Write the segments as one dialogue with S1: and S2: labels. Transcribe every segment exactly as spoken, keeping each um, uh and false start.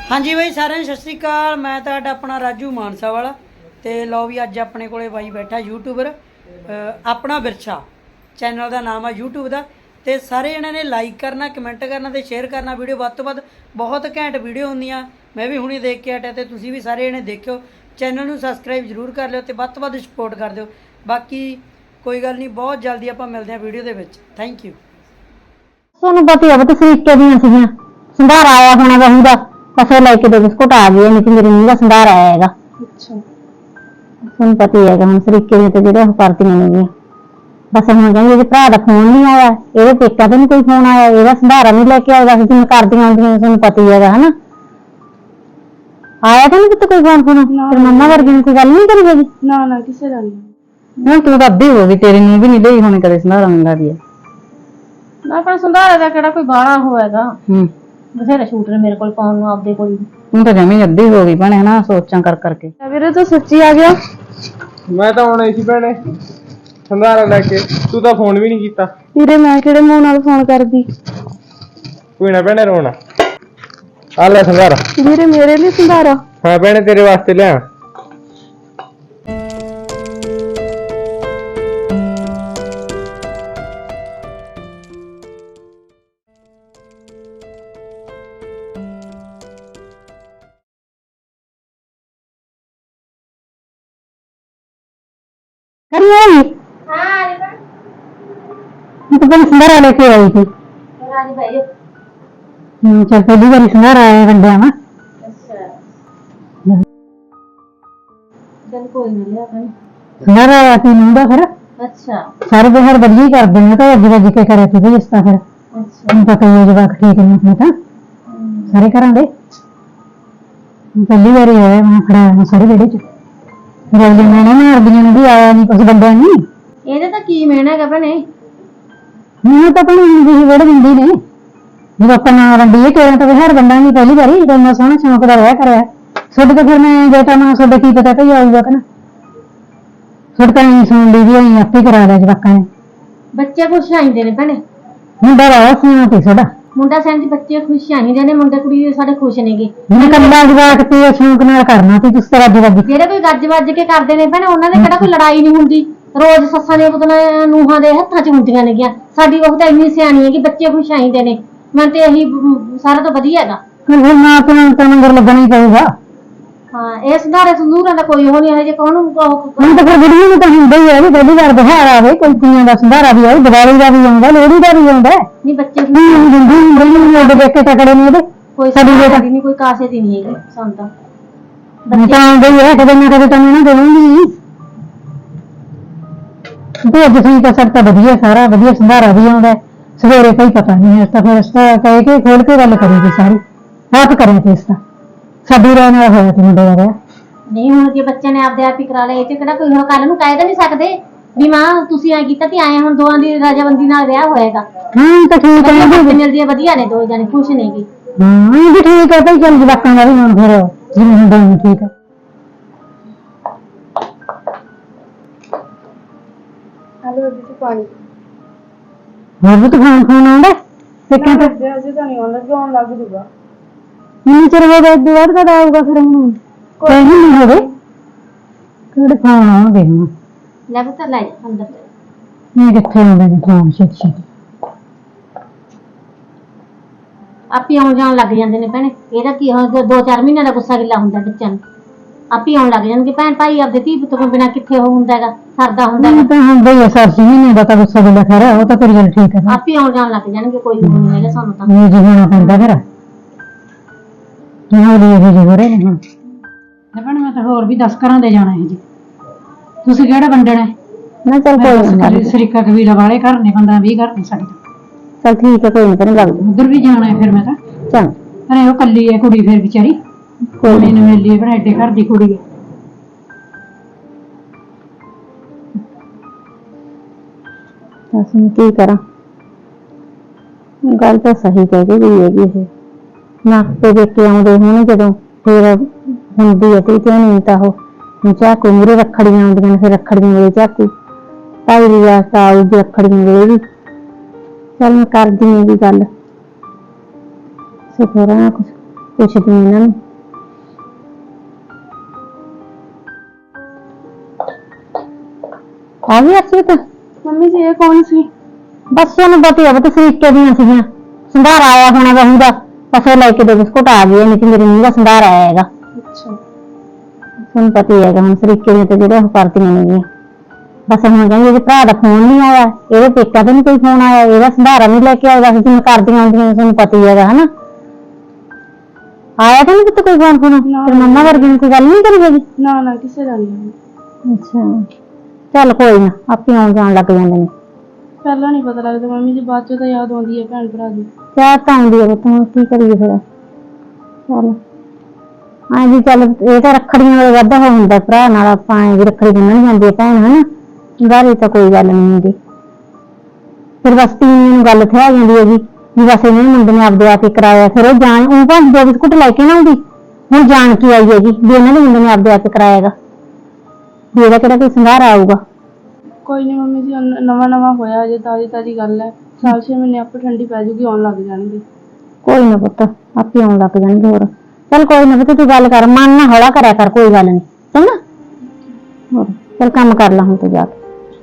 S1: हाँ जी भाई सारे सत श्री अकाल। मैं तुहाडा अपना राजू मानसा वाला तो लो भी अज अपने को भाई बैठा यूट्यूबर अपना विरसा चैनल का नाम है यूट्यूब का। तो सारे जने ने लाइक करना कमेंट करना तो शेयर करना वीडियो वध तो वध बहुत घैंट वीडियो होंदियां। मैं भी हुणे देख के हटिया तो तुसीं भी सारे जने देखियो चैनल नूं सबसक्राइब जरूर कर लियो तो वध तो वध सपोर्ट कर दिओ। बाकी कोई गल नहीं बहुत जल्दी आपां मिलदे हां वीडियो दे विच। Thank you.
S2: ਤੁਹਾਨੂੰ पता है तरीके ਦੀਆਂ ਸੀਗੀਆਂ ਸੰਧਾਰ ਆਇਆ ਹੋਣਾ ਬਹੂ ਦਾ ਬਸ ਲੈ ਕੇ ਦੇ ਬਿਸਕੁਟ ਆ ਗਏ ਨਹੀਂ ਕਿ ਮੇਰੇ ਮੂੰਹ ਦਾ ਸੰਧਾਰ ਆਇਆ ਹੈਗਾ। ਅੱਛਾ ਤੁਹਾਨੂੰ ਪਤਾ ਹੀ ਹੈਗਾ ਹੁਣ ਤਰੀਕੇ ਦੀਆਂ ਤੇ ਜਿਹੜੇ ਉਹ ਕਰਦੀਆਂ ਨੇਗੀਆਂ। ਬਸ ਹੁਣ ਕਹਿੰਦੇ ਜੇ ਭਰਾ ਦਾ ਫੋਨ ਨਹੀਂ ਆਇਆ ਇਹਦੇ ਪੇਕਾ ਤੋਂ ਨਹੀਂ ਕੋਈ ਫੋਨ ਆਇਆ ਇਹਦਾ ਸੰਧਾਰਾ ਨਹੀਂ ਲੈ ਕੇ ਆਇਆ ਬਸ ਜਿਵੇਂ ਕਰਦੀਆਂ ਹੁੰਦੀਆਂ ਤੁਹਾਨੂੰ ਪਤਾ ਹੀ ਹੈਗਾ ਹਨਾ। ਆਇਆ ਤਾਂ ਨਹੀਂ ਕਿਤੇ ਕੋਈ ਫੋਨ ਫੋਨ ਤੇ ਮੰਮਾ ਵਰਗੀ ਨੇ ਕੋਈ ਗੱਲ ਨਹੀਂ ਕਰੀ ਹੈਗੀ।
S3: ਨਾ ਨਾ ਕਿਸੇ ਦਾ ਨਹੀਂ।
S2: ਹੁਣ ਤੂੰ ਤਾਂ ਅੱਧੀ ਹੋ ਗਈ ਤੇਰੇ ਨੂੰ ਵੀ ਨਹੀਂ ਲਈ ਹੁਣ ਕਦੇ ਸੰਧਾਰਾ ਮੰਗਾ ਦੀ
S3: ਨਾ ਪਰ ਸੰਧਾਰੇ ਦਾ ਕਿਹੜਾ ਕੋਈ ਬਾਣਾ ਹੋਏਗਾ।
S2: ਹੂੰ
S3: ਬਥੇਰੇ ਸ਼ੂਟ ਨੇ ਮੇਰੇ ਕੋਲ ਪਾਉਣ ਨੂੰ ਆਪਦੇ ਕੋਲ।
S2: ਹੁਣ ਤਾਂ ਜਮੀ ਅੱਧੀ ਹੋ ਗਈ ਭੈਣੇ ਹਨਾ ਸੋਚਾਂ ਕਰ ਕਰਕੇ।
S3: ਵੀਰੇ ਤੂੰ ਸੱਚੀ ਆ ਗਿਆ।
S4: ਮੈਂ ਤਾਂ ਆਉਣਾ ਸੀ ਭੈਣੇ ਸੰਧਾਰਾ ਲੈ ਕੇ ਤੂੰ ਤਾਂ ਫੋਨ ਵੀ ਨਹੀਂ ਕੀਤਾ।
S3: ਵੀਰੇ ਮੈਂ ਕਿਹੜੇ ਮੂੰਹ ਨਾਲ ਫੋਨ ਕਰਦੀ।
S4: ਕੋਈ ਨਾ ਭੈਣੇ ਰੋਣਾ ਆ ਲੈ ਸੰਧਾਰਾ।
S3: ਵੀਰੇ ਮੇਰੇ ਲਈ ਸੰਧਾਰਾ?
S4: ਹਾਂ ਭੈਣੇ ਤੇਰੇ ਵਾਸਤੇ ਲਿਆ।
S2: करिए
S3: हां
S2: तो पहले संधारा लेके आई थी।
S3: राजी भाई
S2: हम्म चल पहली बार संधारा आया वंडिया में।
S3: अच्छा चल कोई नहीं लिया भाई
S2: संधारा आया थी मुंडा फिर।
S3: अच्छा
S2: सारे बाहर बढ़िया ही कर देने तो अज वज के करे थे इस तरह फिर।
S3: अच्छा
S2: हम पता ही जवाक ठीक नहीं था सारे घरां दे पहली बार आया मैं खड़ा सारे बेड़े च रवली मैंने मारदियां ने भी आया नहीं कुछ बंदा नहीं
S3: ਇਹਦੇ ਤਾਂ ਕੀ ਮੇਣਾ ਹੈਗਾ ਭੈਣੇ।
S2: मैं तो अपनी हिंदी ही बड़े हिंदी ने जब अपना वंडी है तेरा तो बाहर बंदा नहीं पहली बारी जब मैं सोहना शौक का रहा करे सुध तो फिर मैं बेटा मां सुध की पता कही आऊगा कि ना सुध का नहीं सुन ली भी आपे करा लिया जवाका ने
S3: ਬੱਚੇ ਖੁਸ਼ ਆਈਂਦੇ ਨੇ ਭੈਣੇ।
S2: मुंडा रहा सुना ती साडा
S3: ਮੁੰਡਾ ਸੈਂਜ ਬੱਚੇ ਖੁਸ਼ ਆਈਂਦੇ ਨੇ ਮੁੰਡੇ ਕੁੜੀ ਸਾਡੇ ਖੁਸ਼ ਨੇਗੇ।
S2: मैं कल्ला जवाक ते शौक नाल करना ती तुस तरह जवाक
S3: ਜਿਹੜੇ ਕੋਈ ਗੱਜ ਵੱਜ ਕੇ ਕਰਦੇ ਨੇ ਭੈਣੇ ਉਹਨਾਂ ਦੇ ਕਿਹੜਾ ਕੋਈ ਲੜਾਈ ਨਹੀਂ ਹੁੰਦੀ। ਰੋਜ਼ ਸੱਸਾਂ ਦੀਆਂ ਪੁੱਤਾਂ ਨੂੰਹਾਂ ਦੇ ਹੱਥਾਂ 'ਚ ਹੁੰਦੀਆਂ ਨੇਗੀਆਂ। ਸਾਡੀ ਉਹ ਤਾਂ ਇੰਨੀ ਸਿਆਣੀ ਹੈ ਕਿ ਬੱਚੇ ਖੁਸ਼ ਆਈਂਦੇ ਨੇ। ਮੈਂ ਤੇ ਇਹੀ ਸਾਰਾ ਤੋਂ ਵਧੀਆ ਹੈਗਾ।
S2: फिर मां अपना तो मंगर लगना ही पड़ेगा।
S3: ਹਾਂ ਇਹ ਸੰਧਾਰੇ ਸੰਧੂਰਾਂ ਦਾ ਕੋਈ ਉਹ ਨਹੀਂ ਹੈ ਜੇ ਕੋਹਨੂੰ
S2: हम तो फिर बुढ़िया में तो हिंदे ही है भी पहली बार बाहर आवे कोई कुड़ियां दा संधारा भी आवे दिवाली दा भी आंदा लोहड़ी दा भी आंदा
S3: ਨਹੀਂ ਬੱਚੇ
S2: नहीं हिंदी हिंदी नहीं ओदे देख के तकड़े नहीं ओदे
S3: ਕੋਈ
S2: ਸਾਡੀ
S3: ਸਾਡੀ
S2: ਬੇਟਾ-
S3: ਨਹੀਂ ਕੋਈ ਕਾਸੇ ਦੀ ਨਹੀਂ ਹੈਗੀ ਸਾਨੂੰ ਤਾਂ।
S2: मैं तो आंदे ही है कदे ना कदे तन्नू ना देऊंगी तो अज ठीक है सब तो वधिया सारा वधिया संधारा भी आंदा सवेरे कोई पता नहीं है तो फिर इसका कह के खोल के गल करेगी सारी आप करें थे इसका साडी रहने होया थे मुंडे दा
S3: ਨਹੀਂ ਹੁਣ ਜੇ ਬੱਚੇ ਨੇ ਆਪਦੇ ਆਪ ਹੀ ਕਰਾ ਲਿਆ ਇਹ ਤੇ ਕਿਹੜਾ ਕੋਈ ਹੁਣ ਕੱਲ ਨੂੰ ਕਹਿ ਤਾਂ ਨਹੀਂ ਸਕਦੇ ਵੀ ਮਾਂ ਤੁਸੀਂ ਐ ਕੀਤਾ ਤੇ ਆਏ ਹੁਣ ਦੋਵਾਂ ਦੀ ਰਾਜਾਬੰਦੀ ਨਾਲ ਵਿਆਹ ਹੋਏਗਾ।
S2: हां तो ठीक है
S3: ਬੱਚੇ ਮਿਲਦੀ ਹੈ ਵਧੀਆ ਨੇ ਦੋ ਜਣੇ ਖੁਸ਼ ਨੇਗੇ।
S2: हां भी ठीक है भाई चल जवाकां दा भी हुण फिर जिवें हुंदा उवें ठीक है।
S3: ਹਲੋ ਬੀਬੀ ਤੂੰ ਪਾਣੀ
S2: ਹੋਰ ਵੀ ਤਾਂ ਫੋਨ ਫੋਨ ਆਉਂਦਾ ਸਿੱਕਾਂ ਤੇ
S3: ਅਜੇ ਤਾਂ ਨਹੀਂ ਆਉਂਦਾ ਕਿਉਂ ਲੱਗ ਜੂਗਾ।
S2: ਨਹੀਂ ਚਿਰ ਹੋ ਗਿਆ ਇਦੋਂ ਬਾਅਦ ਕਦ ਆਊਗਾ ਫਿਰ ਹੁਣ ਕੋਈ ਨਹੀਂ ਹੋਵੇ ਕਿਹੜੇ ਫੋਨ ਆਉਣਗੇ ਹੁਣ
S3: ਲੈ ਬਤਾ ਲੈ ਅੰਦਰ
S2: ਮੈਂ ਕਿੱਥੇ ਆਉਂਦਾ ਜੀ ਫੋਨ ਛੇਤੀ ਛੇਤੀ
S3: ਆਪੇ ਆਉਣ ਜਾਣ ਲੱਗ ਜਾਂਦੇ ਨੇ ਭੈਣੇ। ਇਹਦਾ ਕੀ ਹੁਣ ਦੋ ਚਾਰ ਮਹੀਨਿਆਂ ਦਾ ਗੁੱਸਾ ਗਿੱਲਾ ਹੁੰਦਾ ਬੱਚਿਆਂ ਨੂੰ ਆਪੇ ਆਉਣ ਲੱਗ ਜਾਣਗੇ। ਭੈਣ ਭਾਈ ਆਪਦੇ ਧੀ ਪੁੱਤ ਤੋਂ ਬਿਨਾਂ ਕਿੱਥੇ ਉਹ ਹੁੰਦਾ ਹੈਗਾ ਸਰਦਾ ਹੁੰਦਾ
S2: ਇਹ
S3: ਹੈਗਾ।
S2: ਤਾਂ ਹੁੰਦਾ ਹੀ ਆ ਸਰਸੀ ਮਹੀਨੇ ਦਾ ਤਾਂ ਗੁੱਸਾ ਬਿਲਾ ਖਰਾ ਉਹ ਤਾਂ ਤੇਰੀ ਗੱਲ ਠੀਕ ਹੈ
S3: ਆਪੇ ਆਉਣ ਜਾਣ ਲੱਗ ਜਾਣਗੇ ਕੋਈ ਉਹ ਨਹੀਂ ਹੈਗਾ ਸਾਨੂੰ ਤਾਂ।
S2: ਇਹ ਜੀ ਹੋਣਾ ਪੈਂਦਾ ਫਿਰ ਇਹ ਹੋਲੀ ਇਹ ਜੀ ਹੋ ਰਹੇ ਨੇ ਹੁਣ
S1: ਭੈਣ ਮੈਂ ਤਾਂ ਹੋਰ ਵੀ ਦਸ ਘਰਾਂ ਦੇ ਜਾਣਾ ਹੈ ਜੀ। ਤੁਸੀਂ ਕਿਹੜਾ ਵੰਡਣਾ ਹੈ?
S2: ਨਾ ਚੱਲ ਕੋਈ ਨਹੀਂ
S1: ਸਰੀਕਾ ਕਬੀਲਾ ਵਾਲੇ ਘਰ ਨੇ ਪੰਦਰਾਂ ਵੀਹ ਘਰ ਨੇ ਸਾਡੇ
S2: ਚੱਲ ਠੀਕ ਹੈ ਕੋਈ ਨਹੀਂ ਤੈਨੂੰ ਲੱਗ
S1: ਉਧਰ ਵੀ ਜਾਣਾ ਹੈ ਫਿਰ ਮੈਂ ਤਾਂ
S2: ਚੱਲ
S1: ਅਰੇ ਉਹ ਕੱਲੀ ਹੈ ਕੁੜੀ ਫਿਰ ਵਿਚਾਰੀ
S2: ਕੋਈ
S1: ਕੋਈ ਨੂੰ ਮਿਲੀ ਹੈ ਐਡੇ ਘਰ ਦੀ ਕੁੜੀ ਹੈ।
S2: ਦੱਸ ਮੈਂ ਕੀ ਕਰਾਂ ਗੱਲ ਤਾਂ ਸਹੀ ਕਹਿ ਕੇ ਗਈ ਹੈਗੀ ਇਹ ਨਾ ਤੇ ਦੇਖ ਕੇ ਆਉਂਦੇ ਹੋਣ ਜਦੋਂ ਫਿਰ ਹੁੰਦੀ ਹੈ ਤੇ ਨਹੀਂ ਤਾਂ ਉਹ ਚਾਕੂ ਮੂਰੇ ਰੱਖੜੀਆਂ ਆਉਂਦੀਆਂ ਨੇ ਫਿਰ ਰੱਖੜੀਆਂ ਵੇਲੇ ਚਾਕੂ ਤਾਈ ਦੀ ਵਾਸਤਾ ਆਊਗੀ ਰੱਖੜੀਆਂ ਵੇਲੇ ਵੀ ਚੱਲ ਮੈਂ ਕਰਦੀ ਹਾਂ ਵੀ ਗੱਲ ਸਿਖਰਾਂ ਕੁਛ ਪੁੱਛਦੀ ਹਾਂ ਇਹਨਾਂ ਨੂੰ। ਆ ਗਈ ਅਰਸ਼ੀਤ?
S3: ਮੰਮੀ ਜੀ ਇਹ ਕੌਣ ਸੀ?
S2: ਬਸ ਉਹਨੂੰ ਪਤਾ ਹੀ ਆ ਬਤ ਸਰੀਕੇ ਦੀਆਂ ਸੀਗੀਆਂ, ਸੰਧਾਰ ਆਇਆ ਹੋਣਾ ਬਹੂ ਦਾ, ਬਸ ਉਹ ਲੈ ਕੇ ਦੋ ਬਿਸਕੁਟ ਆ ਗਏ, ਨਹੀਂ ਤੇ ਮੇਰੀ ਨੂੰਹ ਦਾ ਸੰਧਾਰ ਆਇਆ ਹੈਗਾ।
S3: ਅੱਛਾ
S2: ਤੁਹਾਨੂੰ ਪਤਾ ਹੀ ਹੈਗਾ ਹੁਣ ਸਰੀਕੇ ਦੀਆਂ ਤੇ ਜਿਹੜੇ ਉਹ ਕਰਦੀਆਂ ਨੇਗੀਆਂ। ਬਸ ਹੁਣ ਕਹਿੰਦੀ ਇਹਦੇ ਭਰਾ ਦਾ ਫੋਨ ਨਹੀਂ ਆਇਆ, ਇਹਦੇ ਪੇਕਾ ਤੋਂ ਨੀ ਕੋਈ ਫੋਨ ਆਇਆ, ਇਹਦਾ ਸੰਧਾਰਾ ਨਹੀਂ ਲੈ ਕੇ ਆਇਆ, ਬਸ ਜਿਵੇਂ ਕਰਦੀਆਂ ਹੁੰਦੀਆਂ ਤੁਹਾਨੂੰ ਪਤਾ ਹੀ ਹੈਗਾ ਹਨਾ। ਆਇਆ ਤਾਂ ਨਹੀਂ ਕਿਤੇ ਕੋਈ ਫੋਨ ਫੋਨ? ਤੇ ਮੰਮਾ ਵਰਗੀ ਨੇ ਕੋਈ ਗੱਲ ਨਹੀਂ ਕਰੀ ਹੈਗੀ?
S3: ਨਾ ਨਾ ਕਿਸੇ ਦਾ ਨਹੀਂ।
S2: ਅੱਛਾ ਚੱਲ ਕੋਈ ਨਾ, ਆਪੇ ਆਉਣ ਜਾਣ ਲੱਗ ਜਾਂਦੇ ਨੇ।
S3: ਪਹਿਲਾਂ ਨਹੀਂ ਪਤਾ ਲੱਗਦਾ ਮੰਮੀ ਜੀ, ਬਾਅਦ ਚੋਂ ਤਾਂ ਯਾਦ ਆਉਂਦੀ ਹੈ ਭੈਣ ਭਰਾ ਦੀ।
S2: ਚਾਹ ਤਾਂ ਆਉਂਦੀ ਹੈ ਤੂੰ ਕੀ ਕਰੀਏ ਫਿਰ। ਚੱਲ ਹਾਂ ਜੀ, ਚੱਲ ਇਹ ਤਾਂ ਰੱਖੜੀਆਂ ਵਾਲੇ ਵਾਧਾ ਹੋ ਹੁੰਦਾ ਭਰਾ ਨਾਲ, ਆਪਾਂ ਐਂ ਵੀ ਰੱਖੜੀ ਬੰਨਣ ਜਾਂਦੀ ਹੈ ਭੈਣ ਹਨਾ, ਬਾਹਰ ਤਾਂ ਕੋਈ ਗੱਲ ਨਹੀਂ ਹੁੰਦੀ। ਫਿਰ ਬਸ ਤੀਵੀਂ ਨੂੰ ਗੱਲ ਥਿਆ ਜਾਂਦੀ ਹੈਗੀ ਵੀ ਬਸ ਇਹਨੇ ਮੁੰਡੇ ਨੇ ਆਪਦੇ ਆਪ ਹੀ ਕਰਾਇਆ, ਫਿਰ ਉਹ ਜਾਣ ਉਹ ਭਾਵੇਂ ਦੋ ਬਿਸਕੁਟ ਲੈ ਕੇ ਨਾ ਆਉਂਦੀ, ਹੁਣ ਜਾਣ ਕੇ ਆਈ ਹੈਗੀ ਵੀ ਇਹਨਾਂ ਦੇ ਮੁੰਡੇ ਨੇ ਆਪਦੇ ਆਪ ਹੀ ਕਰਾਇਆਗਾ, ਵੀ ਇਹਦਾ ਕਿਹੜਾ ਕੋਈ ਸੰਘਾਰ ਆਊਗਾ।
S3: ਕੋਈ ਨਹੀਂ ਮੰਮੀ ਜੀ, ਨਵਾਂ ਨਵਾਂ ਹੋਇਆ ਅਜੇ, ਤਾਜ਼ੀ ਤਾਜ਼ੀ ਗੱਲ ਹੈ, ਸਾਲ ਛੇ ਮਹੀਨੇ ਆਪੇ ਠੰਡੀ ਪੈ ਜੂਗੀ, ਆਉਣ ਲੱਗ ਜਾਣਗੇ।
S2: ਕੋਈ ਨਾ ਪੁੱਤ, ਆਪੇ ਆਉਣ ਲੱਗ ਜਾਣਗੇ। ਹੋਰ ਚੱਲ ਕੋਈ ਨਾ ਪੁੱਤ, ਤੂੰ ਗੱਲ ਕਰ, ਮਨ ਨਾ ਹੌਲਾ ਕਰਿਆ ਕਰ, ਕੋਈ ਗੱਲ ਨਹੀਂ ਚੰਗਾ। ਹੋਰ ਚੱਲ ਕੰਮ ਕਰ ਲਾ ਹੁਣ ਤੂੰ ਜਾ ਕੇ।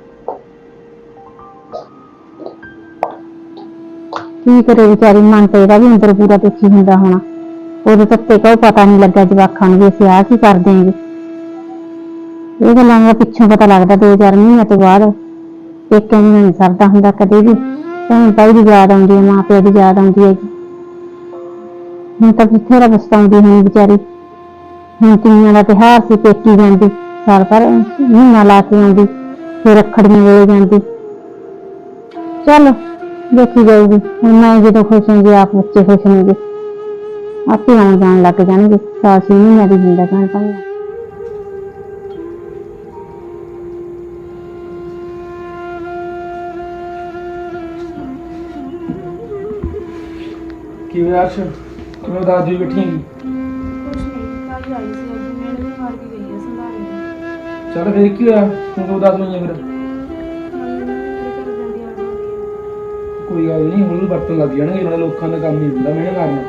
S2: ਕੀ ਕਰੇ ਵਿਚਾਰੀ, ਮਨ ਤੇ ਇਹਦਾ ਵੀ ਅੰਦਰ ਪੂਰਾ ਦੁਖੀ ਹੁੰਦਾ ਹੋਣਾ, ਉਹਦੇ ਤੱਤੇ ਕੋ ਪਤਾ ਨਹੀਂ ਲੱਗਾ ਜਵਾਕਾਂ ਨੂੰ ਵੀ ਅਸੀਂ ਆਹ ਕੀ ਕਰ ਦੇਂਗੇ। ਇਹ ਗੱਲਾਂ ਦਾ ਪਿੱਛੋਂ ਪਤਾ ਲੱਗਦਾ ਦੋ ਚਾਰ ਮਹੀਨਿਆਂ ਤੋਂ ਬਾਅਦ। ਪੇਕਿਆਂ ਦੀ ਨਹੀਂ ਸਰਦਾ ਹੁੰਦਾ ਕਦੇ ਵੀ, ਭੈਣ ਭਾਈ ਦੀ ਯਾਦ ਆਉਂਦੀ ਹੈ, ਮਾਂ ਪਿਓ ਦੀ ਯਾਦ ਆਉਂਦੀ ਹੈਗੀ। ਹੁਣ ਤਾਂ ਬਥੇਰਾ ਪਛਤਾਉਂਦੀ ਹੋਣੀ ਵਿਚਾਰੀ। ਹੁਣ ਤੀਆਂ ਦਾ ਤਿਉਹਾਰ ਸੀ, ਪੇਕੀ ਜਾਂਦੀ, ਸਾਲ ਭਰ ਮਹੀਨਾ ਲਾ ਕੇ ਆਉਂਦੀ, ਫਿਰ ਰੱਖੜੀਆਂ ਵੇਲੇ ਜਾਂਦੀ। ਚੱਲ ਦੇਖੀ ਜਾਊਗੀ, ਹੁਣ ਮੈਂ ਜਦੋਂ ਖੁਸ਼ ਹੋਊਗੀ ਆਪ ਬੱਚੇ ਖੁਸ਼ ਹੋਣਗੇ, ਆਪੇ ਆਉਣ ਜਾਣ ਲੱਗ ਜਾਣਗੇ। ਸਾਲ ਛੇ ਮਹੀਨਿਆਂ ਦੀ ਹੁੰਦਾ ਭੈਣ ਭਾਈ।
S4: ਕੀ ਹੋਇਆ ਅਰਸ਼, ਕਿਵੇਂ ਉਦਾਸ ਜਿਹੀ ਬੈਠੀ ਹੈਗੀ?
S3: ਕੁਛ ਨਹੀਂ, ਤਾਈ ਆਈ ਸੀ ਅੱਜ, ਮੇਰੇ ਵੀ ਮਾਰ ਕੇ ਗਈ ਹੈ ਸੰਧਾਰੇ।
S4: ਚੱਲ ਫਿਰ ਕੀ ਹੋਇਆ, ਤੂੰ ਤਾਂ ਉਦਾਸ ਹੋਈ ਹੈ ਫਿਰ? ਕੋਈ ਗੱਲ ਨਹੀਂ, ਹੁਣ ਵਰਤਣ ਲੱਗ ਜਾਣਗੇ, ਨਾਲੇ ਲੋਕਾਂ ਦਾ ਕੰਮ ਨਹੀਂ ਹੁੰਦਾ ਮਿਹਨਤ ਕਰਨਾ।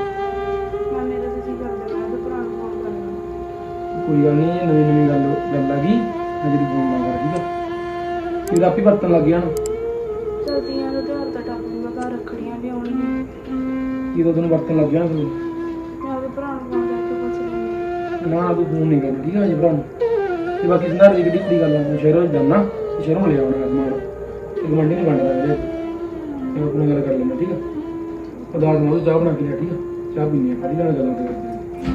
S4: ਕੋਈ ਗੱਲ ਨਹੀਂ, ਨਵੀਂ ਨਵੀਂ ਗੱਲ ਗੱਲ ਆ ਗਈ, ਮੈਂ ਜਿਹੜੀ ਫੋਨ ਨਾ ਕਰ, ਠੀਕ ਆ? ਫਿਰ ਆਪੇ ਵਰਤਣ ਲੱਗ ਜਾਣ।
S3: ਚਲਦੀਆਂ ਦਾ ਤਿਉਹਾਰ ਤਾਂ ਟੱਪ ਜੂਗਾ, ਘਰ ਰੱਖੜੀਆਂ ਵੀ ਆਉਣਗੀਆਂ,
S4: ਕੀ ਤਾਂ ਤੈਨੂੰ ਵਰਤਣ ਲੱਗ ਜਾਣ ਫਿਰ।
S3: ਮੈਂ ਉਹਦੇ ਭਰਾ ਨੂੰ ਫੋਨ ਕਰਕੇ ਪੁੱਛ ਲੈਂਦੀ
S4: ਨਾ ਨਾ ਤੂੰ ਫੋਨ ਨਹੀਂ ਕਰਨਾ, ਠੀਕ ਆ? ਅਜੇ ਭਰਾ ਨੂੰ ਤੇ ਬਾਕੀ ਸੰਧਾਰੇ ਦੀ ਕਿਹੜੀ ਕਿਹੜੀ ਗੱਲ ਆ, ਮੈਂ ਸ਼ਹਿਰੋਂ ਜਾਣਾ, ਸ਼ਹਿਰੋਂ ਲੈ ਆਉਣਾ ਸਮਾਨ, ਇੱਕ ਮੰਡੀ ਨਹੀਂ ਬਣਦਾ ਵੀਰੇ, ਤੇ ਆਪਣਾ ਗੱਲ ਕਰ ਲੈਂਦਾ, ਠੀਕ ਆ? ਉਦਾਸ ਨਾ ਹੋ, ਚਾਹ ਬਣਾ ਕੇ ਲਿਆ, ਠੀਕ ਆ? ਚਾਹ ਪੀਣੀ ਆ, ਖੜੀ ਨਾਲ ਗੱਲਾਂ ਤੇ ਕਰਦੇ ਆ।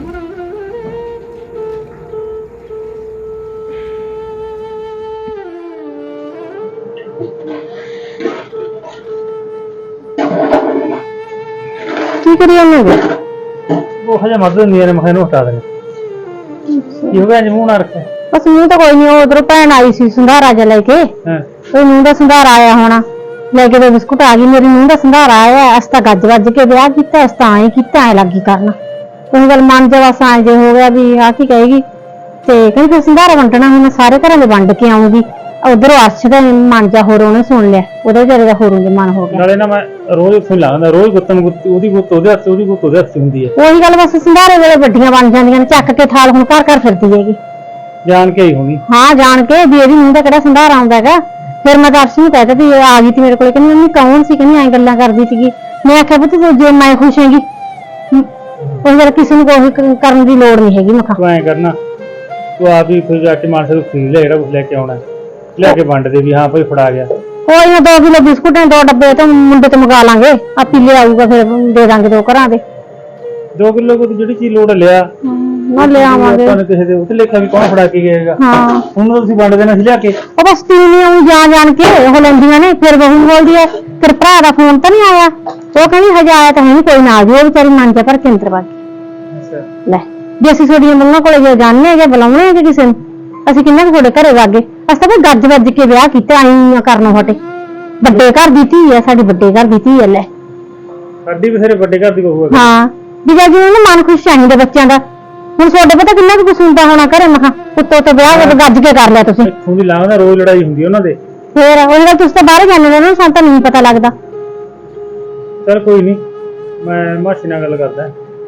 S2: ਕੀ ਕਰੀ ਜਾਂਦੇ?
S5: ਉਹ ਹਜੇ ਮਰਦ ਹੁੰਦੀਆਂ ਨੇ, ਮੈਂ ਇਹਨੂੰ ਹਟਾ ਦੇਣਾ। ਕੀ ਹੋ ਗਿਆ ਅੱਜ ਮੂੰਹ ਨਾ ਰੱਖਿਆ?
S2: ਬਸ ਮੂੰਹ ਤਾਂ ਕੋਈ ਨਹੀਂ, ਉਹ ਉਧਰੋਂ ਭੈਣ ਆਈ ਸੀ ਸੰਧਾਰਾ ਜਿਹਾ ਲੈ ਕੇ,
S5: ਹਾਂ
S2: ਉਹ ਨੂੰਹ ਦਾ ਸੰਧਾਰਾ ਆਇਆ ਹੋਣਾ, ਲੈ ਕੇ ਦੋ ਬਿਸਕੁਟ ਆ ਗਈ। ਮੇਰੀ ਨੂੰਹ ਦਾ ਸੰਧਾਰਾ ਆਇਆ, ਅਸ ਤਾਂ ਗੱਜ ਵੱਜ ਕੇ ਵਿਆਹ ਕੀਤਾ, ਅਸ ਤਾਂ ਐਂ ਕੀਤਾ, ਐ ਲੱਗੀ ਕਰਨ ਕੋਈ ਗੱਲ ਮਨ ਚ ਬਸ ਐਂ ਜੇ ਹੋ ਗਿਆ ਵੀ ਆਹ ਕੀ ਕਹੇਗੀ। ਤੇ ਕਹਿੰਦੀ ਫਿਰ ਸੰਧਾਰਾ ਵੰਡਣਾ, ਹੁਣ ਮੈਂ ਸਾਰੇ ਘਰਾਂ ਦੇ ਵੰਡ ਕੇ ਆਉਂਗੀ। ਉਧਰੋਂ ਅਰਸ਼ ਦਾ ਮਨ ਜਾ ਹੋਰ ਉਹਨੇ ਸੁਣ ਲਿਆ, ਉਹਦੇ ਵਿਚਾਰੇ ਦਾ ਹੋਰੋਂ ਜੇ ਮਨ ਹੋ ਗਿਆ।
S5: ਨਾਲੇ ਨਾ ਮੈਂ ਰੋਜ਼ ਉੱਥੇ ਲਾਉਂਦਾ, ਰੋਜ਼ ਗੁੱਤਨ ਗੁੱਤ, ਉਹਦੀ ਗੁੱਤ ਉਹਦੇ ਹੱਥ, ਉਹਦੀ ਗੁੱਤ ਉਹਦੇ ਹੱਥ ਹੁੰਦੀ ਹੈ।
S2: ਉਹੀ ਗੱਲ, ਬਸ ਸੰਧਾਰੇ ਵੇਲੇ ਵੱਡੀਆਂ ਬਣ ਜਾਂਦੀਆਂ ਨੇ, ਚੱਕ ਕੇ ਥਾਲ ਹੁਣ ਘਰ ਘਰ ਫਿਰਦੀ ਹੈਗੀ।
S5: ਜਾਣ ਕੇ ਆਈ ਹੋਣੀ।
S2: ਹਾਂ ਜਾਣ ਕੇ, ਵੀ ਇਹਦੀ ਨੂੰਹ ਦਾ ਕਿਹੜਾ ਸੰਧਾਰਾ ਆਉਂਦਾ ਹੈਗਾ। ਫਿਰ ਮੈਂ ਦਰਸ਼ ਨੂੰ ਕਹਿ ਦਿੱਤਾ ਵੀ ਆ ਗਈ ਤੀ ਮੇਰੇ ਕੋਲ, ਕਹਿੰਦੀ ਮੰਮੀ ਕੌਣ ਸੀ, ਕਹਿੰਦੀ ਐਂ ਗੱਲਾਂ ਕਰਦੀ ਸੀਗੀ। ਮੈਂ ਆਖਿਆ ਪੁੱਤ ਜੇ ਮੈਂ ਖੁਸ਼ ਹੈਗੀ, ਉਹ ਗੱਲ ਕਿਸੇ ਨੂੰ ਕੋਈ ਕਰਨ ਦੀ ਲੋੜ ਨਹੀਂ ਹੈਗੀ। ਮੈਂ ਕਿਹਾ
S5: ਤੂੰ ਐਂ ਕਰਨਾ, ਤੂੰ ਆਪ ਹੀ ਕੋਈ ਜਾ ਕੇ ਮਾਨਸਾ ਤੋਂ ਖਰੀਦ ਲੈ, ਜਿਹੜਾ ਕੁਛ ਲੈ ਕੇ ਆਉਣਾ ਲੈ ਕੇ ਵੰਡ ਦੇ ਵੀ ਹਾਂ ਭਾਈ ਫੜਾ ਗਿਆ।
S2: ਕੋਈ ਨਾ, ਦੋ ਕਿਲੋ ਬਿਸਕੁਟ ਨੇ, ਦੋ ਡੱਬੇ ਤੇ ਮੁੰਡੇ ਤੋਂ ਮੰਗਾ ਲਾਂਗੇ, ਆਪੀ ਲੈ ਆਊਗਾ, ਫਿਰ ਦੇ ਦਾਂਗੇ ਦੋ ਘਰਾਂ ਦੇ।
S5: ਦੋ ਕਿਲੋ ਕੋ ਜਿਹੜੀ ਚੀਜ਼ ਲੋੜ ਲਿਆ
S2: ਨਾ ਲੈ ਆਵਾਂਗੇ।
S5: ਤੁਹਾਨੂੰ ਕਿਸੇ ਦੇ ਉੱਤੇ ਲੇਖਾ ਵੀ ਕੌਣ ਫੜਾ ਕੇ ਗਿਆਗਾ।
S2: ਹਾਂ
S5: ਹੁਣ ਤੁਸੀਂ ਵੰਡ ਦੇਣਾ ਸੀ ਲਿਆ ਕੇ।
S2: ਉਹ ਬਸ ਤੀਵੀਂ ਆਉਂ ਜਾਣ ਜਾਣ ਕੇ ਉਹ ਲੈਂਦੀਆਂ ਨੇ, ਫਿਰ ਬਹੂ ਬੋਲਦੀ ਹੈ ਫਿਰ ਭਰਾ ਦਾ ਫੋਨ ਤਾਂ ਨਹੀਂ ਆਇਆ। ਉਹ ਕਹਿੰਦੀ ਹਜੇ ਆਇਆ ਤਾਂ ਹੈ ਨਹੀਂ, ਕੋਈ ਨਾ ਆ ਜਾਓ। ਉਹ ਵਿਚਾਰੀ ਮਨ ਜਾ ਭਰ ਕੇ ਅੰਦਰ ਵਗ ਗਈ।
S5: ਅੱਛਾ
S2: ਲੈ ਵੀ ਅਸੀਂ ਤੁਹਾਡੀਆਂ ਮੰਗਾਂ ਕੋਲੇ ਜੇ ਜਾਣੇ ਹੈਗੇ, ਬੁਲਾਉਣੇ ਹੈਗੇ ਕਿਸੇ ਨੂੰ, ਅਸੀਂ ਕਿੰਨਾ ਕੁ ਤੁਹਾਡੇ ਘਰੇ ਵਾਗੇ। ਅਸੀਂ ਤਾਂ ਗੱਜ ਵੱਜ ਕੇ ਵਿਆਹ ਕੀਤਾ, ਆਈ ਕਰਨੋਂ ਹਟੇ। ਵੱਡੇ ਘਰ ਦੀ ਧੀ ਹੈ ਸਾਡੀ, ਵੱਡੇ ਘਰ ਦੀ ਧੀ ਹੈ। ਲੈ
S5: ਸਾਡੀ ਵੀ ਸਾਰੇ ਵੱਡੇ ਘਰ ਦੀ ਬਹੂ ਹੈ।
S2: ਹਾਂ ਵੀ ਜੇ ਉਹਨੂੰ ਮਨ ਖੁਸ਼ ਚਾਹੀਦਾ ਬੱਚਿਆਂ ਦਾ। ਹੁਣ ਤੁਹਾਡੇ ਪਤਾ ਕਿੰਨਾ ਕੁ ਕੁਛ ਹੁੰਦਾ ਹੋਣਾ ਘਰੇ। ਮੈਂ ਕਿਹਾ ਉੱਤੋਂ ਤੋਂ ਵਿਆਹ ਜਦੋਂ ਗੱਜ ਕੇ ਕਰ ਲਿਆ ਤੁਸੀਂ।
S5: ਇੱਥੋਂ ਦੀ ਲਾਉਂਦਾ, ਰੋਜ਼ ਲੜਾਈ ਹੁੰਦੀ ਉਹਨਾਂ ਦੇ।
S2: ਫੇਰ ਉਹਦੇ ਨਾਲ ਤੁਸੀਂ ਤਾਂ ਬਾਹਰ ਜਾਂਦੇ ਨੇ ਨਾ, ਸਾਨੂੰ ਤਾਂ ਨਹੀਂ ਪਤਾ ਲੱਗਦਾ।
S5: ਚਲ ਕੋਈ ਨਹੀਂ, ਮੈਂ ਮਾਸੀ ਨਾਲ ਗੱਲ ਕਰਦਾ,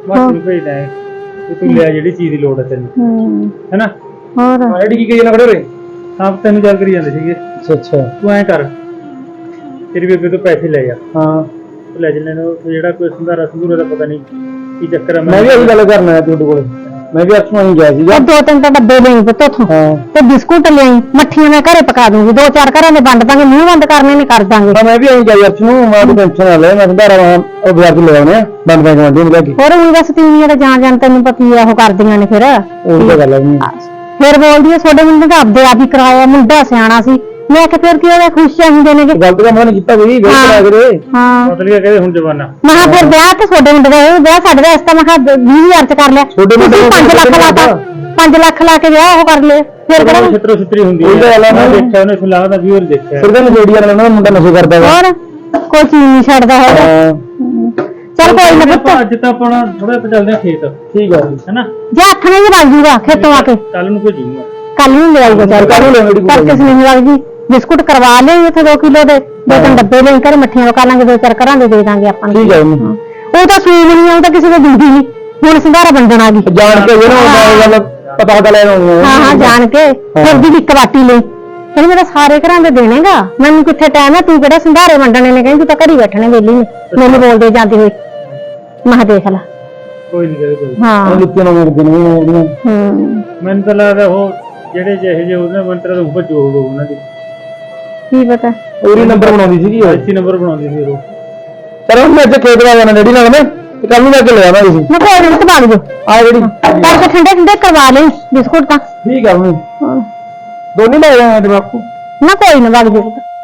S5: ਮਾਸੀ ਨੂੰ ਭੇਜਦਾ ਹੈ ਕਿ ਤੂੰ ਲਿਆ ਜਿਹੜੀ ਚੀਜ਼ ਦੀ ਲੋੜ ਹੈ ਤੈਨੂੰ
S2: ਹੂੰ
S5: ਹੈਨਾ।
S2: ਹੋਰ
S4: ਆਈਡੀ ਕੀ ਕਹੀ ਨਾ ਖੜੇ ਰੇ
S5: ਆਪ ਤੈਨੂੰ ਗੱਲ ਕਰੀ ਜਾਂਦੇ ਸੀਗੇ।
S4: ਅੱਛਾ ਅੱਛਾ
S5: ਤੂੰ ਐਂ ਕਰ ਤੇਰੀ ਬੇਬੇ ਤੋਂ ਪੈਸੇ ਲੈ ਜਾ,
S4: ਹਾਂ
S5: ਤੂੰ ਲੈ ਜਲੇ ਨੂੰ ਜਿਹੜਾ ਕੋਈ ਸੰਧਾਰਾ ਸੰਧੂਰਾ ਦਾ ਪਤਾ ਨਹੀਂ ਕੀ ਚੱਕਰ ਹੈ।
S4: ਮੈਂ ਵੀ ਇਹੀ ਗੱਲ ਕਰਨਾ ਹੈ ਤੁਹਾਡੇ ਕੋਲ, ਮੈਂ ਵੀ ਅਰਸ਼ ਨੂੰ ਗਿਆ ਸੀਗਾ।
S2: ਉਹ ਦੋ ਤਿੰਨ ਤਾਂ ਡੱਬੇ ਲਈ ਪੁੱਤ ਉੱਥੋਂ
S4: ਹਾਂ
S2: ਤੇ ਬਿਸਕੁਟ ਲਈ ਮੱਠੀਆਂ ਮੈਂ ਘਰੇ ਪਕਾ ਦੂੰਗੀ, ਦੋ ਚਾਰ ਘਰਾਂ ਦੇ ਵੰਡ ਦਾਂਗੇ, ਮੂੰਹ ਬੰਦ ਕਰਨੇ ਨੇ ਕਰ ਦਾਂਗੇ।
S4: ਤਾਂ ਮੈਂ ਵੀ ਇਹੀ ਗਿਆ ਅਰਸ਼ ਨੂੰ, ਮੈਂ ਤਾਂ ਟੈਨਸ਼ਨ ਨਾ ਲੈ, ਮੈਂ ਸੰਧਾਰਾ ਉਹ ਬਾਜ਼ਾਰ ਤੋਂ ਲੈ ਆਉਣੇ ਆ ਬੰਦ ਬੈਂਕ ਮੰਡੀ ਨੂੰ ਲੈ ਕੇ।
S2: ਹੋਰ ਹੁਣ ਦੱਸ ਤੀਵੀਆਂ ਤਾਂ ਜਾਣ ਜਾਣ ਤੈਨੂੰ ਪਤੀ ਆ ਉਹ ਕਰਦੀਆਂ ਨੇ ਫਿਰ
S4: ਉਹ ਤਾਂ ਗੱਲ ਹੈ ਨਹੀਂ
S2: ਫਿਰ ਬੋਲਦੀ ਆ ਤੁਹਾਡੇ ਮੁੰਡੇ ਤਾਂ ਆਪਦੇ ਆਪ ਹੀ ਕਰਾਇਆ, ਮੁੰਡਾ ਸਿਆਣਾ ਸੀ। ਮੈਂ ਕਿਹਾ ਫਿਰ ਕੀ ਹੋਇਆ, ਖੁਸ਼ ਚਾਹੀਦੇ ਨੇ
S4: ਗਲਤ ਕੰਮ ਨਹੀਂ ਕੀਤਾ ਕੋਈ ਗਲਤ ਕਰਾ ਕੇ।
S2: ਹਾਂ
S5: ਮਤਲਬ ਇਹ ਕਹਿੰਦੇ ਹੁਣ ਜਵਾਨਾ
S2: ਮੈਂ ਕਿਹਾ ਫਿਰ ਵਿਆਹ ਤੇ ਤੁਹਾਡੇ ਮੁੰਡੇ ਦਾ ਇਹ ਵਿਆਹ ਸਾਡੇ ਦਾ ਇਸ ਤਾਂ ਮੈਂ ਕਿਹਾ ਵੀਹ ਹਜ਼ਾਰ ਚ ਕਰ ਲਿਆ,
S4: ਤੁਹਾਡੇ ਮੁੰਡੇ
S2: ਤੁਸੀਂ ਪੰਜ ਲੱਖ ਲਾਤਾ, ਪੰਜ ਲੱਖ ਲਾ ਕੇ ਵਿਆਹ ਉਹ ਕਰ ਲਿਆ ਫਿਰ ਕਰਾਂ
S5: ਛਿੱਤਰੋ ਛਿੱਤਰੀ ਹੁੰਦੀ
S4: ਉਹੀ ਤਾਂ ਗੱਲ ਆ
S5: ਮੈਂ
S4: ਨਾ।
S5: ਦੇਖਿਆ ਉਹਨੇ ਸੁਲਾਹ ਦਾ ਵੀਰ ਦੇਖਿਆ
S4: ਫਿਰ ਤਾਂ ਨਸ਼ੇੜੀ ਵਾਲਾ ਨਾ ਮੁੰਡਾ ਨਸ਼ੇ ਕਰਦਾ ਵਾ।
S2: ਹੋਰ ਕੋਈ ਚੀਜ਼ ਨਹੀਂ ਛੱਡਦਾ ਹੈਗਾ।
S4: ਹਾਂ
S2: ਚਲ ਕੋਈ ਨਾ ਪੁੱਤ
S5: ਅੱਜ ਤਾਂ ਆਪਣਾ ਥੋੜਾ ਜਿਹਾ ਚੱਲਦੇ ਆ ਖੇਤ
S4: ਠੀਕ ਆ
S5: ਹੈਨਾ,
S2: ਜੇ ਹੱਥ ਨਹੀਂ ਵਗ ਜੂਗਾ ਖੇਤੋਂ ਆ ਕੇ
S5: ਕੱਲ ਨੂੰ ਭੇਜੂਗਾ।
S2: ਕੱਲ ਨੂੰ ਲੈ ਆਈਗਾ, ਚੱਲ
S4: ਕੱਲ੍ਹ ਨੂੰ ਲੈ ਆਈਗੀ।
S2: ਕੱਲ ਕਿਸ ਨਹੀਂ ਵਗ ਜੀ ਬਿਸਕੁਟ ਕਰਵਾ ਲਿਓ ਇੱਥੇ ਦੋ ਕਿਲੋ ਦੇ, ਦੋ ਤਿੰਨ ਡੱਬੇ ਲੈ ਕਰ ਮੱਠੀਆਂ ਪਕਾ ਲਾਂਗੇ, ਦੋ ਚਾਰ ਘਰਾਂ ਦੇ ਦੇ ਦਾਂਗੇ ਆਪਾਂ ਨੂੰ।
S4: ਠੀਕ ਹੈ ਜੀ।
S2: ਉਹ ਤਾਂ ਸੂਈ ਨਹੀਂ ਆਉਂਦਾ ਕਿਸੇ ਦੇ ਦਿੰਦੀ ਨਹੀਂ, ਹੁਣ ਸੰਧਾਰਾ ਵੰਡਣ ਆ ਗਈ
S4: ਜਾਣ ਕੇ ਜਿਹੜਾ ਉਹ ਗੱਲ ਪਤਾ ਪਤਾ ਲੈਣ ਆਉਂਦੇ
S2: ਹਾਂ ਹਾਂ ਜਾਣ ਕੇ ਫਿਰ ਦੀ ਇੱਕ ਬਾਟੀ ਲਈ ਕਹਿੰਦੀ ਮੈਂ ਤਾਂ ਸਾਰੇ ਘਰਾਂ ਦੇ ਦੇਣੇਗਾ, ਮੈਨੂੰ ਕਿੱਥੇ ਟਾਈਮ ਹੈ, ਤੂੰ ਕਿਹੜਾ ਸੰਧਾਰੇ ਵੰਡਣੇ ਨੇ, ਕਹਿੰਦੀ ਤੂੰ ਤਾਂ ਘਰੀ ਬੈਠਣੇ ਵੇਲੀ ਨੇ, ਮੈਨੂੰ ਬੋਲਦੇ ਜਾਂਦੀ ਹੋਈ। ਮੈਂ ਕਿਹਾ ਦੇਖ ਲੈ
S5: ਕੋਈ ਨਹੀਂ ਕਰੇ ਕੋਈ
S2: ਹਾਂ
S4: ਲਿੱਤੀਆਂ ਨਾ ਮੇਰੇ ਦਿਨ ਉਹਦੀਆਂ
S2: ਹੂੰ
S5: ਮੈਨੂੰ ਤਾਂ ਲੱਗਦਾ ਉਹ ਜਿਹੜੇ ਜਿਹੇ ਜਿਹੇ ਉਹਦੇ ਮੰਤਰ ਤੋਂ ਉੱਪਰ ਜੋੜ ਹੋ ਉਹਨਾਂ ਦੀ
S2: ਕੀ ਪਤਾ
S4: ਉਹਦੀ ਨੰਬਰ ਬਣਾਉਂਦੀ ਸੀਗੀ ਉਹ।
S5: ਅੱਛੀ ਨੰਬਰ ਬਣਾਉਂਦੀ ਸੀ ਉਹ।
S4: ਚਲੋ ਮੈਂ ਅੱਜ ਖੇਤ ਵਾ ਜਾਣਾ ਡੈਡੀ ਨਾਲ ਮੈਂ ਤੇ ਕੱਲ ਨੂੰ ਲੈ ਕੇ ਲੈ ਆਵਾਂਗੇ ਸੀ
S2: ਮੈਂ ਕੋਈ ਨਹੀਂ ਤਬਾਲ ਜੋ
S4: ਆ ਜਿਹੜੀ
S2: ਕਰਕੇ ਠੰਡੇ ਠੰਡੇ ਕਰਵਾ ਲਈ ਬਿਸਕੁਟ ਤਾਂ
S4: ਠੀਕ ਆ ਮੈਂ
S2: ਹਾਂ।
S4: ਦੋਨੇ ਲੈ ਆਏ ਤੇ ਬਾਪੂ
S2: ਨਾ ਕੋਈ ਨਾ ਵਗ ਜੇ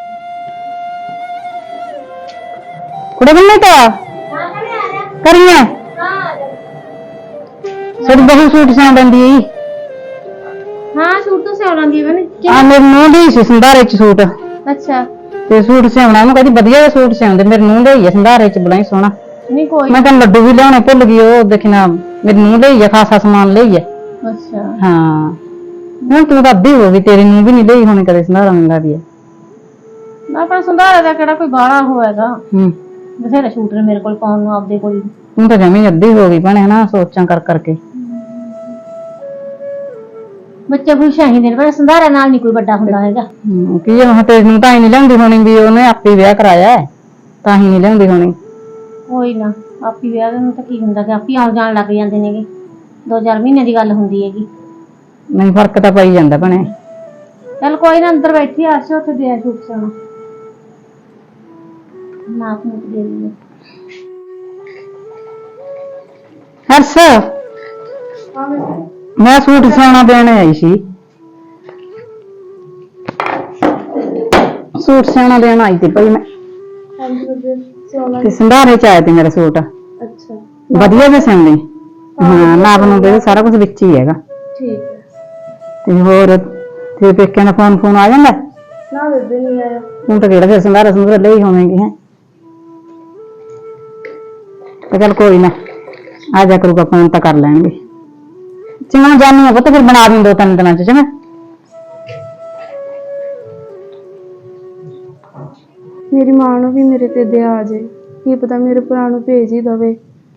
S2: ਕੁੜੇ ਬੰਨੇ ਤਾਂ ਕਰੀਏ ਸਾਡੀ ਬਹੂ ਸੂਟ ਸਾਂ ਬੰਦੀ
S3: ਹਾਂ ਸੂਟ ਤਾਂ ਸਿਉਣਾ ਦੀ ਬਣੇ
S2: ਆ ਮੇਰੇ ਨੂੰਹ ਦੀ ਸੀ ਸੰਧਾਰੇ ਚ ਸੂਟ,
S3: ਅੱਛਾ
S2: ਤੇ ਸੂਟ ਸਿਉਣਾ ਉਹਨੂੰ ਕਹਿੰਦੀ ਵਧੀਆ ਜਿਹਾ ਸੂਟ ਸਿਉਂਦੇ, ਮੇਰੇ ਨੂੰਹ ਦੇ ਹੀ ਆ ਸੰਧਾਰੇ ਚ ਬੜਾ ਹੀ ਸੋਹਣਾ।
S3: ਨਹੀਂ ਕੋਈ
S2: ਮੈਂ ਤਾਂ ਲੱਡੂ ਵੀ ਲਿਆਉਣੇ ਭੁੱਲ ਗਈ, ਉਹ ਦੇਖਣਾ ਮੇਰੀ ਨੂੰਹ ਲਈ ਆ ਖਾਸਾ ਸਮਾਨ ਲਈ ਆ।
S3: ਅੱਛਾ
S2: ਹਾਂ ਹੁਣ ਤੂੰ ਤਾਂ ਅੱਧੀ ਹੋ ਗਈ, ਤੇਰੀ ਨੂੰਹ ਵੀ ਨਹੀਂ ਲਈ ਹੋਣੀ ਕਦੇ ਸੰਧਾਰਾ ਮੰਗਾ ਦੀ।
S3: ਨਾ ਪਰ ਸੰਧਾਰੇ ਦਾ ਕਿਹੜਾ ਕੋਈ ਬਾਹਲਾ ਹੋਏਗਾ,
S2: ਹੂੰ
S3: ਬਥੇਰੇ ਸੂਟ ਨੇ ਮੇਰੇ ਕੋਲ ਪਾਉਣ ਨੂੰ ਆਪਦੇ ਕੋਲ ਹੀ।
S2: ਤੂੰ ਤਾਂ ਜਮੀ ਅੱਧੀ ਹੋ ਗਈ ਭੈਣੇ ਹਨਾ, ਸੋਚਾਂ ਕਰ ਕਰਕੇ।
S3: ਬੱਚੇ ਖੁਸ਼ ਚਾਹੀਦੇ ਨੇ, ਪਰ ਸੰਧਾਰੇ ਨਾਲ ਨਹੀਂ ਕੋਈ ਵੱਡਾ ਹੁੰਦਾ ਹੈਗਾ।
S2: ਹੂੰ ਕੀ ਆ ਹੁਣ ਤੇਰੀ ਨੂੰ ਤਾਂ ਹੀ ਨਹੀਂ ਲਿਆਉਂਦੀ ਹੋਣੀ ਵੀ ਉਹਨੇ ਆਪੇ ਵਿਆਹ ਕਰਾਇਆ ਹੈ, ਤਾਂ ਹੀ ਨਹੀਂ ਲਿਆਉਂਦੀ ਹੋਣੀ।
S3: ਕੋਈ ਨਾ ਆਪੀ ਵਿਆਹ ਦੇ ਨੂੰ ਤਾਂ ਕੀ ਹੁੰਦਾ ਕਿ ਆਪੀ ਆਉਣ ਜਾਣ ਲੱਗ ਜਾਂਦੇ ਨੇਗੇ, ਦੋ ਚਾਰ ਮਹੀਨੇ ਦੀ ਗੱਲ ਹੁੰਦੀ ਹੈਗੀ।
S2: ਨਹੀਂ ਫਰਕ ਤਾਂ ਪਈ ਜਾਂਦਾ ਭੈਣੇ।
S3: ਚੱਲ ਕੋਈ ਨਾ ਅੰਦਰ ਬੈਠੀ ਆ ਅਰਸ਼ ਉੱਥੇ ਦੇ ਸੂਟ ਸਿਉਣਾ ਨਾਪ ਨੂੰ ਦੇ ਲਈ।
S2: ਹਰਸ ਮੈਂ ਸੂਟ ਸਿਉਣਾ ਦੇਣ ਆਈ ਸੀ, ਸੂਟ ਸਿਉਣਾ ਦੇਣ ਆਈ ਸੀ ਭਾਈ ਮੈਂ, ਤੇ ਸੰਧਾਰੇ ਚ ਆਇਆ ਤੇ ਮੇਰਾ ਸੂਟ।
S3: ਅੱਛਾ
S2: ਵਧੀਆ ਜਿਹਾ ਸਿਉਂਦੀ, ਹਾਂ ਨਾਪ ਨੂੰ ਦੇ ਸਾਰਾ ਕੁਝ ਵਿੱਚ ਹੀ ਹੈਗਾ।
S3: ਠੀਕ ਹੈ।
S2: ਤੇ ਹੋਰ ਤੇ ਪੇਕਿਆਂ ਦਾ ਫੋਨ ਫੋਨ ਆ ਜਾਂਦਾ?
S3: ਨਾ ਬੇਬੇ ਨਹੀਂ ਆਇਆ।
S2: ਹੁਣ ਤਾਂ ਕਿਹੜਾ ਫਿਰ ਸੰਧਾਰਾ ਸੰਧਾਰਾ ਲਈ ਹੋਵੇਂਗੇ ਹੈ, ਤੇ ਚੱਲ ਕੋਈ ਨਾ ਆ ਜਾ ਕਰੂਗਾ ਫੋਨ ਤਾਂ ਕਰ ਲੈਣਗੇ। ਚੰਗਾ ਜਾਨੀ ਆ ਪੁੱਤ, ਫਿਰ ਬਣਾ ਦੂੰ ਦੋ ਤਿੰਨ ਦਿਨਾਂ ਚ। ਚੰਗਾ
S6: ਮੇਰੀ ਮਾਂ ਨੂੰ ਵੀ ਮੇਰੇ ਤੇ ਦਇਆ ਆ ਜਾਏ, ਕੀ ਪਤਾ ਮੇਰੇ ਭਰਾ ਨੂੰ ਭੇਜ ਹੀ ਦਵੇ।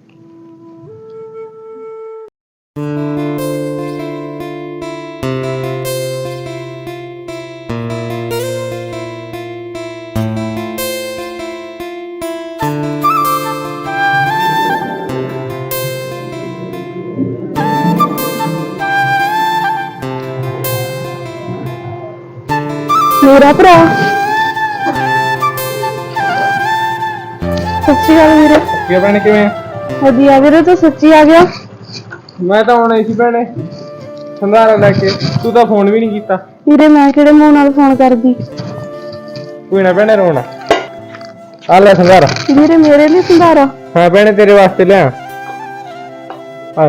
S6: ਮੇਰਾ ਭਰਾ ਸੱਚੀ ਗੱਲ ਵੀਰੇ,
S4: ਕੀ ਭੈਣੇ ਕਿਵੇਂ
S6: ਵਧੀਆ ਵੀਰੇ, ਤੂੰ ਸੱਚੀ ਆ ਗਿਆ।
S4: ਮੈਂ ਤਾਂ ਆਉਣਾ ਸੀ ਭੈਣੇ ਸੰਧਾਰਾ ਲੈ ਕੇ, ਤੂੰ ਤਾਂ ਫੋਨ ਵੀ ਨਹੀਂ ਕੀਤਾ।
S6: ਵੀਰੇ ਮੈਂ ਕਿਹੜੇ ਮੂੰਹ ਨਾਲ ਫੋਨ ਕਰਦੀ।
S4: ਕੋਈ ਨਾ ਭੈਣੇ ਰੋਣਾ, ਆ ਲੈ ਸੰਧਾਰਾ।
S6: ਵੀਰੇ ਮੇਰੇ ਲਈ ਸੰਧਾਰਾ?
S4: ਹਾਂ ਭੈਣੇ ਤੇਰੇ ਵਾਸਤੇ ਲਿਆ ਆ।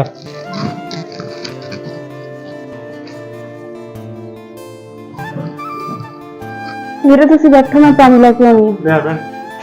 S6: ਵੀਰੇ ਤੁਸੀਂ ਬੈਠੋ, ਮੈਂ ਪਾਣੀ ਲੈ ਕੇ ਆਉਣੀ
S5: ਲੈ ਭੈਣ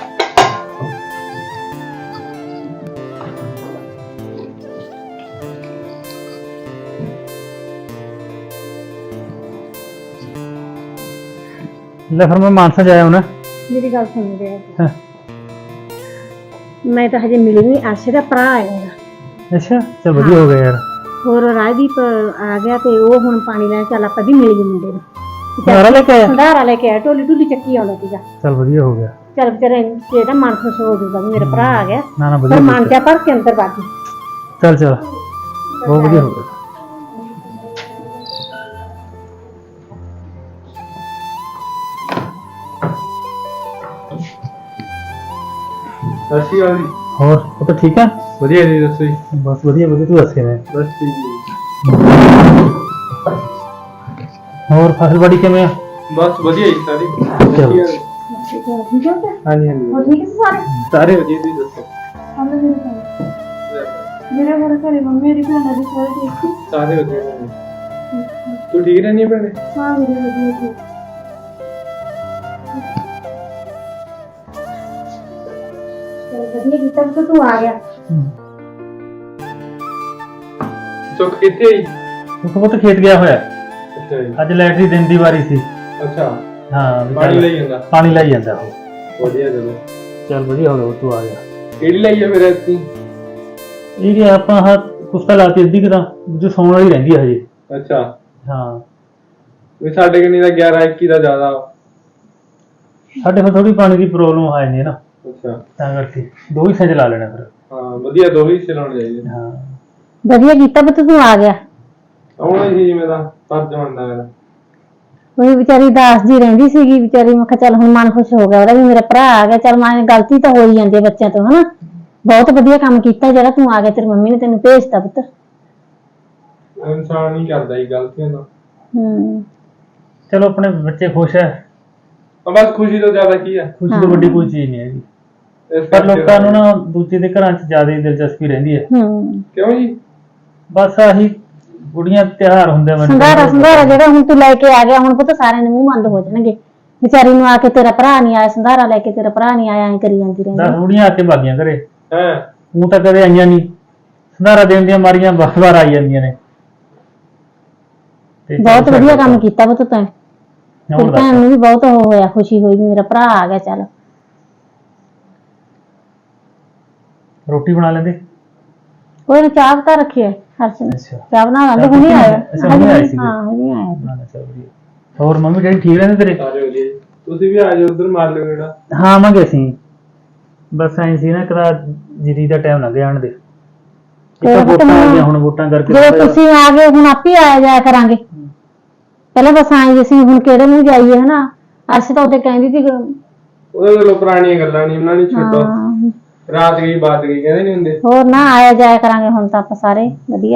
S5: ਲੈ ਫਿਰ ਮੈਂ ਮਾਨਸਾ ਜਾਇਆ ਹੁਣ।
S3: ਮੇਰੀ ਗੱਲ ਸੁਣ ਰਿਹਾ,
S5: ਹਾਂ
S3: ਮੈਂ ਤਾਂ ਹਜੇ ਮਿਲੀ ਨਹੀਂ, ਅਰਸ਼ ਦਾ ਭਰਾ ਆਏਗਾ।
S5: ਅੱਛਾ ਚਲ ਵਧੀਆ ਹੋ ਗਿਆ ਯਾਰ।
S3: ਹੋਰ ਰਾਜਦੀਪ ਆ ਗਿਆ ਤੇ ਉਹ ਹੁਣ ਪਾਣੀ ਲੈਣ ਚੱਲ ਆਪਾਂ ਵੀ ਮਿਲ ਗਏ ਮੁੰਡੇ ਨੂੰ
S5: ਸੰਧਾਰਾ ਲੈ ਕੇ ਆਇਆ?
S3: ਸੰਧਾਰਾ ਲੈ ਕੇ ਆਇਆ, ਢੋਲੀ ਢੋਲੀ ਚੱਕੀ ਆਉਂਦਾ ਸੀਗਾ।
S5: ਚਲ ਵਧੀਆ ਹੋ ਗਿਆ।
S3: ਚੱਲ ਵਿਚਾਰੇ ਇਹਦਾ ਮਨ ਖੁਸ਼ ਹੋ ਜਾਊਗਾ ਵੀ ਮੇਰਾ ਭਰਾ ਆ ਗਿਆ।
S5: ਨਾ ਨਾ
S3: ਪਰ
S5: ਵਧੀਆ
S3: ਮਨ ਤੇ ਭਰ ਕੇ ਅੰਦਰ ਬਾਕੀ
S5: ਚਲ ਚਲ ਬਹੁਤ ਵਧੀਆ ਹੋ ਗਿਆ।
S4: ਸਤਿ ਸ਼੍ਰੀ ਅਕਾਲ ਜੀ।
S5: ਹੋਰ ਉਹ ਤਾਂ ਠੀਕ ਆ?
S4: ਵਧੀਆ ਜੀ, ਦੱਸੋ ਜੀ।
S5: ਬਸ ਵਧੀਆ ਵਧੀਆ, ਤੂੰ ਦੱਸੇ ਮੈਂ।
S4: ਬਸ ਠੀਕ ਜੀ।
S5: ਹੋਰ ਫਸਲਬਾੜੀ ਕਿਵੇਂ ਆ?
S4: ਬਸ ਵਧੀਆ ਜੀ ਸਾਰੀ।
S5: ਚਲੋ।
S3: ਠੀਕ ਹੈ
S4: ਹਾਂਜੀ ਹਾਂਜੀ
S3: ਹੋਰ ਠੀਕ ਹੈ ਸਾਰੇ?
S4: ਸਾਰੇ ਵਧੀਆ, ਤੁਸੀਂ ਦੱਸੋ।
S6: ਮੇਰਾ ਘਰ ਘਰੇ ਮੰਮੀ ਮੇਰੀ ਭੈਣਾਂ ਦੇ ਸਾਰੇ ਠੀਕ ਸੀ।
S4: ਸਾਰੇ ਵਧੀਆ ਨੇ। ਤੂੰ ਠੀਕ ਰਹਿੰਦੀ ਹੈ ਭੈਣੇ?
S6: ਹਾਂ ਮੇਰੇ ਵਧੀਆ ਸੀ।
S3: ਵਧੀਆ ਕੀਤਾ ਕਿ ਤੂੰ ਆ ਗਿਆ।
S4: ਸੁੱਖ ਕਿੱਥੇ ਆਈ?
S5: ਉਹ ਬਹੁਤ ਖੇਤ ਗਿਆ ਹੋਇਆ।
S4: ਅੱਛਾ ਜੀ।
S5: ਅੱਜ ਲੈਟਰੀ ਦਿਨ ਦੀ ਵਾਰੀ ਸੀ।
S4: ਅੱਛਾ,
S5: ਹਾਂ ਵੀ
S4: ਪਾਣੀ
S5: ਚੱਲ-
S4: ਲਈ ਜਾਂਦਾ।
S5: ਪਾਣੀ ਲਈ ਜਾਂਦਾ ਉਹ।
S4: ਵਧੀਆ ਚਲੋ।
S5: ਚੱਲ ਵਧੀਆ ਹੋ ਗਿਆ ਤੂੰ ਆ ਗਿਆ।
S4: ਕਿਹੜੀ ਲਈ ਆ ਫਿਰ ਐਤਕੀ?
S5: ਇਹ ਕਿ ਆਪਾਂ ਹਾਂ ਕੁਸਤਾ ਲਾਤੀ ਅੱਧੀ ਕਿਤਾ ਜੋ ਸੌਣ ਵਾਲੀ ਰਹਿੰਦੀ ਹੈ ਹਜੇ।
S4: ਅੱਛਾ,
S5: ਹਾਂ
S4: ਵੀ ਸਾਡੇ ਕਿੰਨੀ ਦਾ ਗਿਆਰਾਂ ਇੱਕੀ ਦਾ ਜ਼ਿਆਦਾ।
S5: ਸਾਡੇ ਫਿਰ ਥੋੜੀ ਪਾਣੀ ਦੀ ਪ੍ਰੋਬਲਮ ਆ ਜਾਂਦੀ ਹੈ ਨਾ,
S4: ਅੱਛਾ
S5: ਤਾਂ ਕਰਕੇ ਦੋ ਹਿੱਸੇ ਚ ਲਾ ਲੈਣਾ ਫਿਰ।
S4: ਹਾਂ ਵਧੀਆ, ਦੋ ਹੀ ਚਲਾਉਣੇ ਚਾਹੀਦੇ।
S5: ਹਾਂ
S3: ਵਧੀਆ ਕੀਤਾ ਪੁੱਤ ਤੂੰ ਆ ਗਿਆ।
S4: ਆਉਣਾ ਹੀ ਸੀ ਜਿਵੇਂ ਦਾ ਫਰਜ਼ ਬਣਦਾ ਮੇਰਾ।
S3: ਉਹ ਵਿਚਾਰੀ ਦਾਸ ਜੀ ਰਹਿੰਦੀ ਸੀਗੀ ਵਿਚਾਰੀ। ਮੈਂ ਕਿਹਾ ਚੱਲ ਹੁਣ ਮਨ ਖੁਸ਼ ਹੋ ਗਿਆ ਉਹਦਾ ਵੀ ਮੇਰਾ ਭਰਾ ਆ ਗਿਆ। ਚੱਲ ਮੈਂ ਗਲਤੀ ਤਾਂ ਹੋ ਹੀ ਜਾਂਦੀ ਹੈ ਬੱਚਿਆਂ ਤੋਂ, ਹਨਾ। ਬਹੁਤ ਵਧੀਆ ਕੰਮ ਕੀਤਾ ਜਿਹੜਾ ਤੂੰ ਆ ਗਿਆ, ਤੇਰੀ ਮੰਮੀ ਨੇ ਤੈਨੂੰ ਭੇਜਤਾ ਪੁੱਤ।
S4: ਇਨਸਾਨ ਨਹੀਂ ਕਰਦਾ ਜੀ ਗਲਤੀਆਂ ਦਾ।
S3: ਹੂੰ
S5: ਚਲੋ ਆਪਣੇ ਬੱਚੇ ਖੁਸ਼ ਹੈ,
S4: ਆ ਬਸ ਖੁਸ਼ੀ ਤੋਂ ਜ਼ਿਆਦਾ ਕੀ ਹੈ।
S5: ਖੁਸ਼ੀ ਤੋਂ ਵੱਡੀ ਕੋਈ ਚੀਜ਼ ਨਹੀਂ ਹੈਗੀ।
S4: ਇਸ
S5: ਪਰ
S4: ਕਰਕੇ
S5: ਲੋਕਾਂ ਨੂੰ ਨਾ ਦੂਜੇ ਦੇ ਘਰਾਂ 'ਚ ਜ਼ਿਆਦਾ ਹੀ ਦਿਲਚਸਪੀ ਰਹਿੰਦੀ ਹੈ।
S3: ਹੂੰ
S4: ਕਿਉਂ ਜੀ?
S5: ਬਸ ਆਹੀ ਕੁੜੀਆਂ ਤਿਉਹਾਰ ਹੁੰਦੇ ਮੈਨੂੰ
S3: ਸੰਧਾਰਾ ਸੰਧਾਰਾ ਜਿਹੜਾ ਹੁਣ ਤੂੰ ਲੈ ਕੇ ਆ ਗਿਆ, ਹੁਣ ਪੁੱਤ ਸਾਰਿਆਂ ਦੇ ਮੂੰਹ ਬੰਦ ਹੋ ਜਾਣਗੇ। ਵਿਚਾਰੀ ਨੂੰ ਆ ਕੇ ਤੇਰਾ ਭਰਾ ਨਹੀਂ ਆਇਆ, ਸੰਧਾਰਾ ਲੈ ਕੇ ਤੇਰਾ ਭਰਾ ਨਹੀਂ ਆਇਆ, ਐਂ ਕਰੀ ਜਾਂਦੀ ਰਹਿੰਦੀ।
S5: ਦਸ ਕੁੜੀਆਂ ਆ ਕੇ ਬਾਗੀਆਂ ਘਰੇ,
S4: ਹੈ
S5: ਉਹ ਤਾਂ ਕਦੇ ਆਈਆਂ ਨਹੀਂ। ਸੰਧਾਰਾ ਦੇਣ ਦੀਆਂ ਮਾਰੀਆਂ ਬਾਰ ਬਾਰ ਆਈ ਜਾਂਦੀਆਂ ਨੇ। ਤੇ
S3: ਬਹੁਤ ਵਧੀਆ ਕੰਮ ਕੀਤਾ ਪੁੱਤ ਤੈਂ।
S5: ਹੋਰ
S3: ਤੇਰੀ
S5: ਦੱਸ।
S3: ਭੈਣ ਨੂੰ ਵੀ ਬਹੁਤ ਉਹ ਹੋਇਆ, ਖੁਸ਼ੀ ਹੋਈ ਵੀ ਮੇਰਾ ਭਰਾ ਆ ਗਿਆ। ਚੱਲ
S5: ਰੋਟੀ ਬਣਾ ਲੈਂਦੇ?
S3: ਕੋਈ ਨਾ, ਚਾਹ ਤਾਂ ਰੱਖੀ ਹੈ ਹਰਸ਼ ਨੇ।
S5: ਅੱਛਾ
S3: ਚਾਹ ਬਣਾ ਲਾਂਗੇ, ਹੁਣੇ ਆਇਆ।
S5: ਅੱਛਾ, ਹੁਣੇ ਆਏ ਸੀਗੇ।
S3: ਹਾਂ ਹੁਣੇ ਆਇਆ।
S5: ਨਾ ਨਾ ਚੱਲ ਵਧੀਆ। ਹੋਰ ਮੰਮੀ ਡੈਡੀ ਠੀਕ ਰਹਿੰਦੇ ਤੇਰੇ?
S4: ਸਾਰੇ ਵਧੀਆ ਜੀ। ਤੁਸੀਂ ਵੀ ਆ ਜਾਓ ਉਧਰ, ਮਾਰ ਲਿਓ ਜਿਹੜਾ।
S5: ਹਾਂ ਆਵਾਂਗੇ ਅਸੀਂ। ਬਸ ਐਂ ਸੀ ਨਾ ਕਦਾ ਜਰੀ ਦਾ ਟਾਈਮ ਲੰਘ ਜਾਣ ਦੇ। ਇੱਕ
S3: ਤੇ
S5: ਵੋਟਾਂ ਆ
S3: ਹੁਣ
S5: ਗਈਆਂ, ਹੁਣ ਵੋਟਾਂ ਕਰਕੇ
S3: ਜਦੋਂ
S5: ਥੋੜ੍ਹਾ
S3: ਤੁਸੀਂ ਆ ਗਏ ਹੁਣ ਆਪੇ ਆਇਆ ਜਾਇਆ ਕਰਾਂਗੇ। ਪਹਿਲਾਂ ਬਸ ਆਏ ਅਸੀਂ ਹੁਣ ਕਿਹੜੇ ਨੂੰ ਜਾਈਏ, ਹਨਾ। ਅਸੀਂ ਤਾਂ ਉੱਤੇ ਕਹਿੰਦੀ ਸੀ
S4: ਉਹਦੇ ਕੋਲੋਂ ਪੁਰਾਣੀਆਂ ਗੱਲਾਂ ਨਹੀਂ, ਉਹਨਾਂ ਨੇ ਛੱਡੋ।
S3: ਹਾਂ,
S4: ਰਾਤ ਗਈ ਬਾਤ ਗਈ ਕਹਿੰਦੇ ਨਹੀਂ ਹੁੰਦੇ।
S3: ਹੋਰ ਨਾ ਆਇਆ ਜਾਇਆ ਕਰਾਂਗੇ ਹੁਣ ਤਾਂ ਆਪਾਂ ਸਾਰੇ ਵਧੀਆ।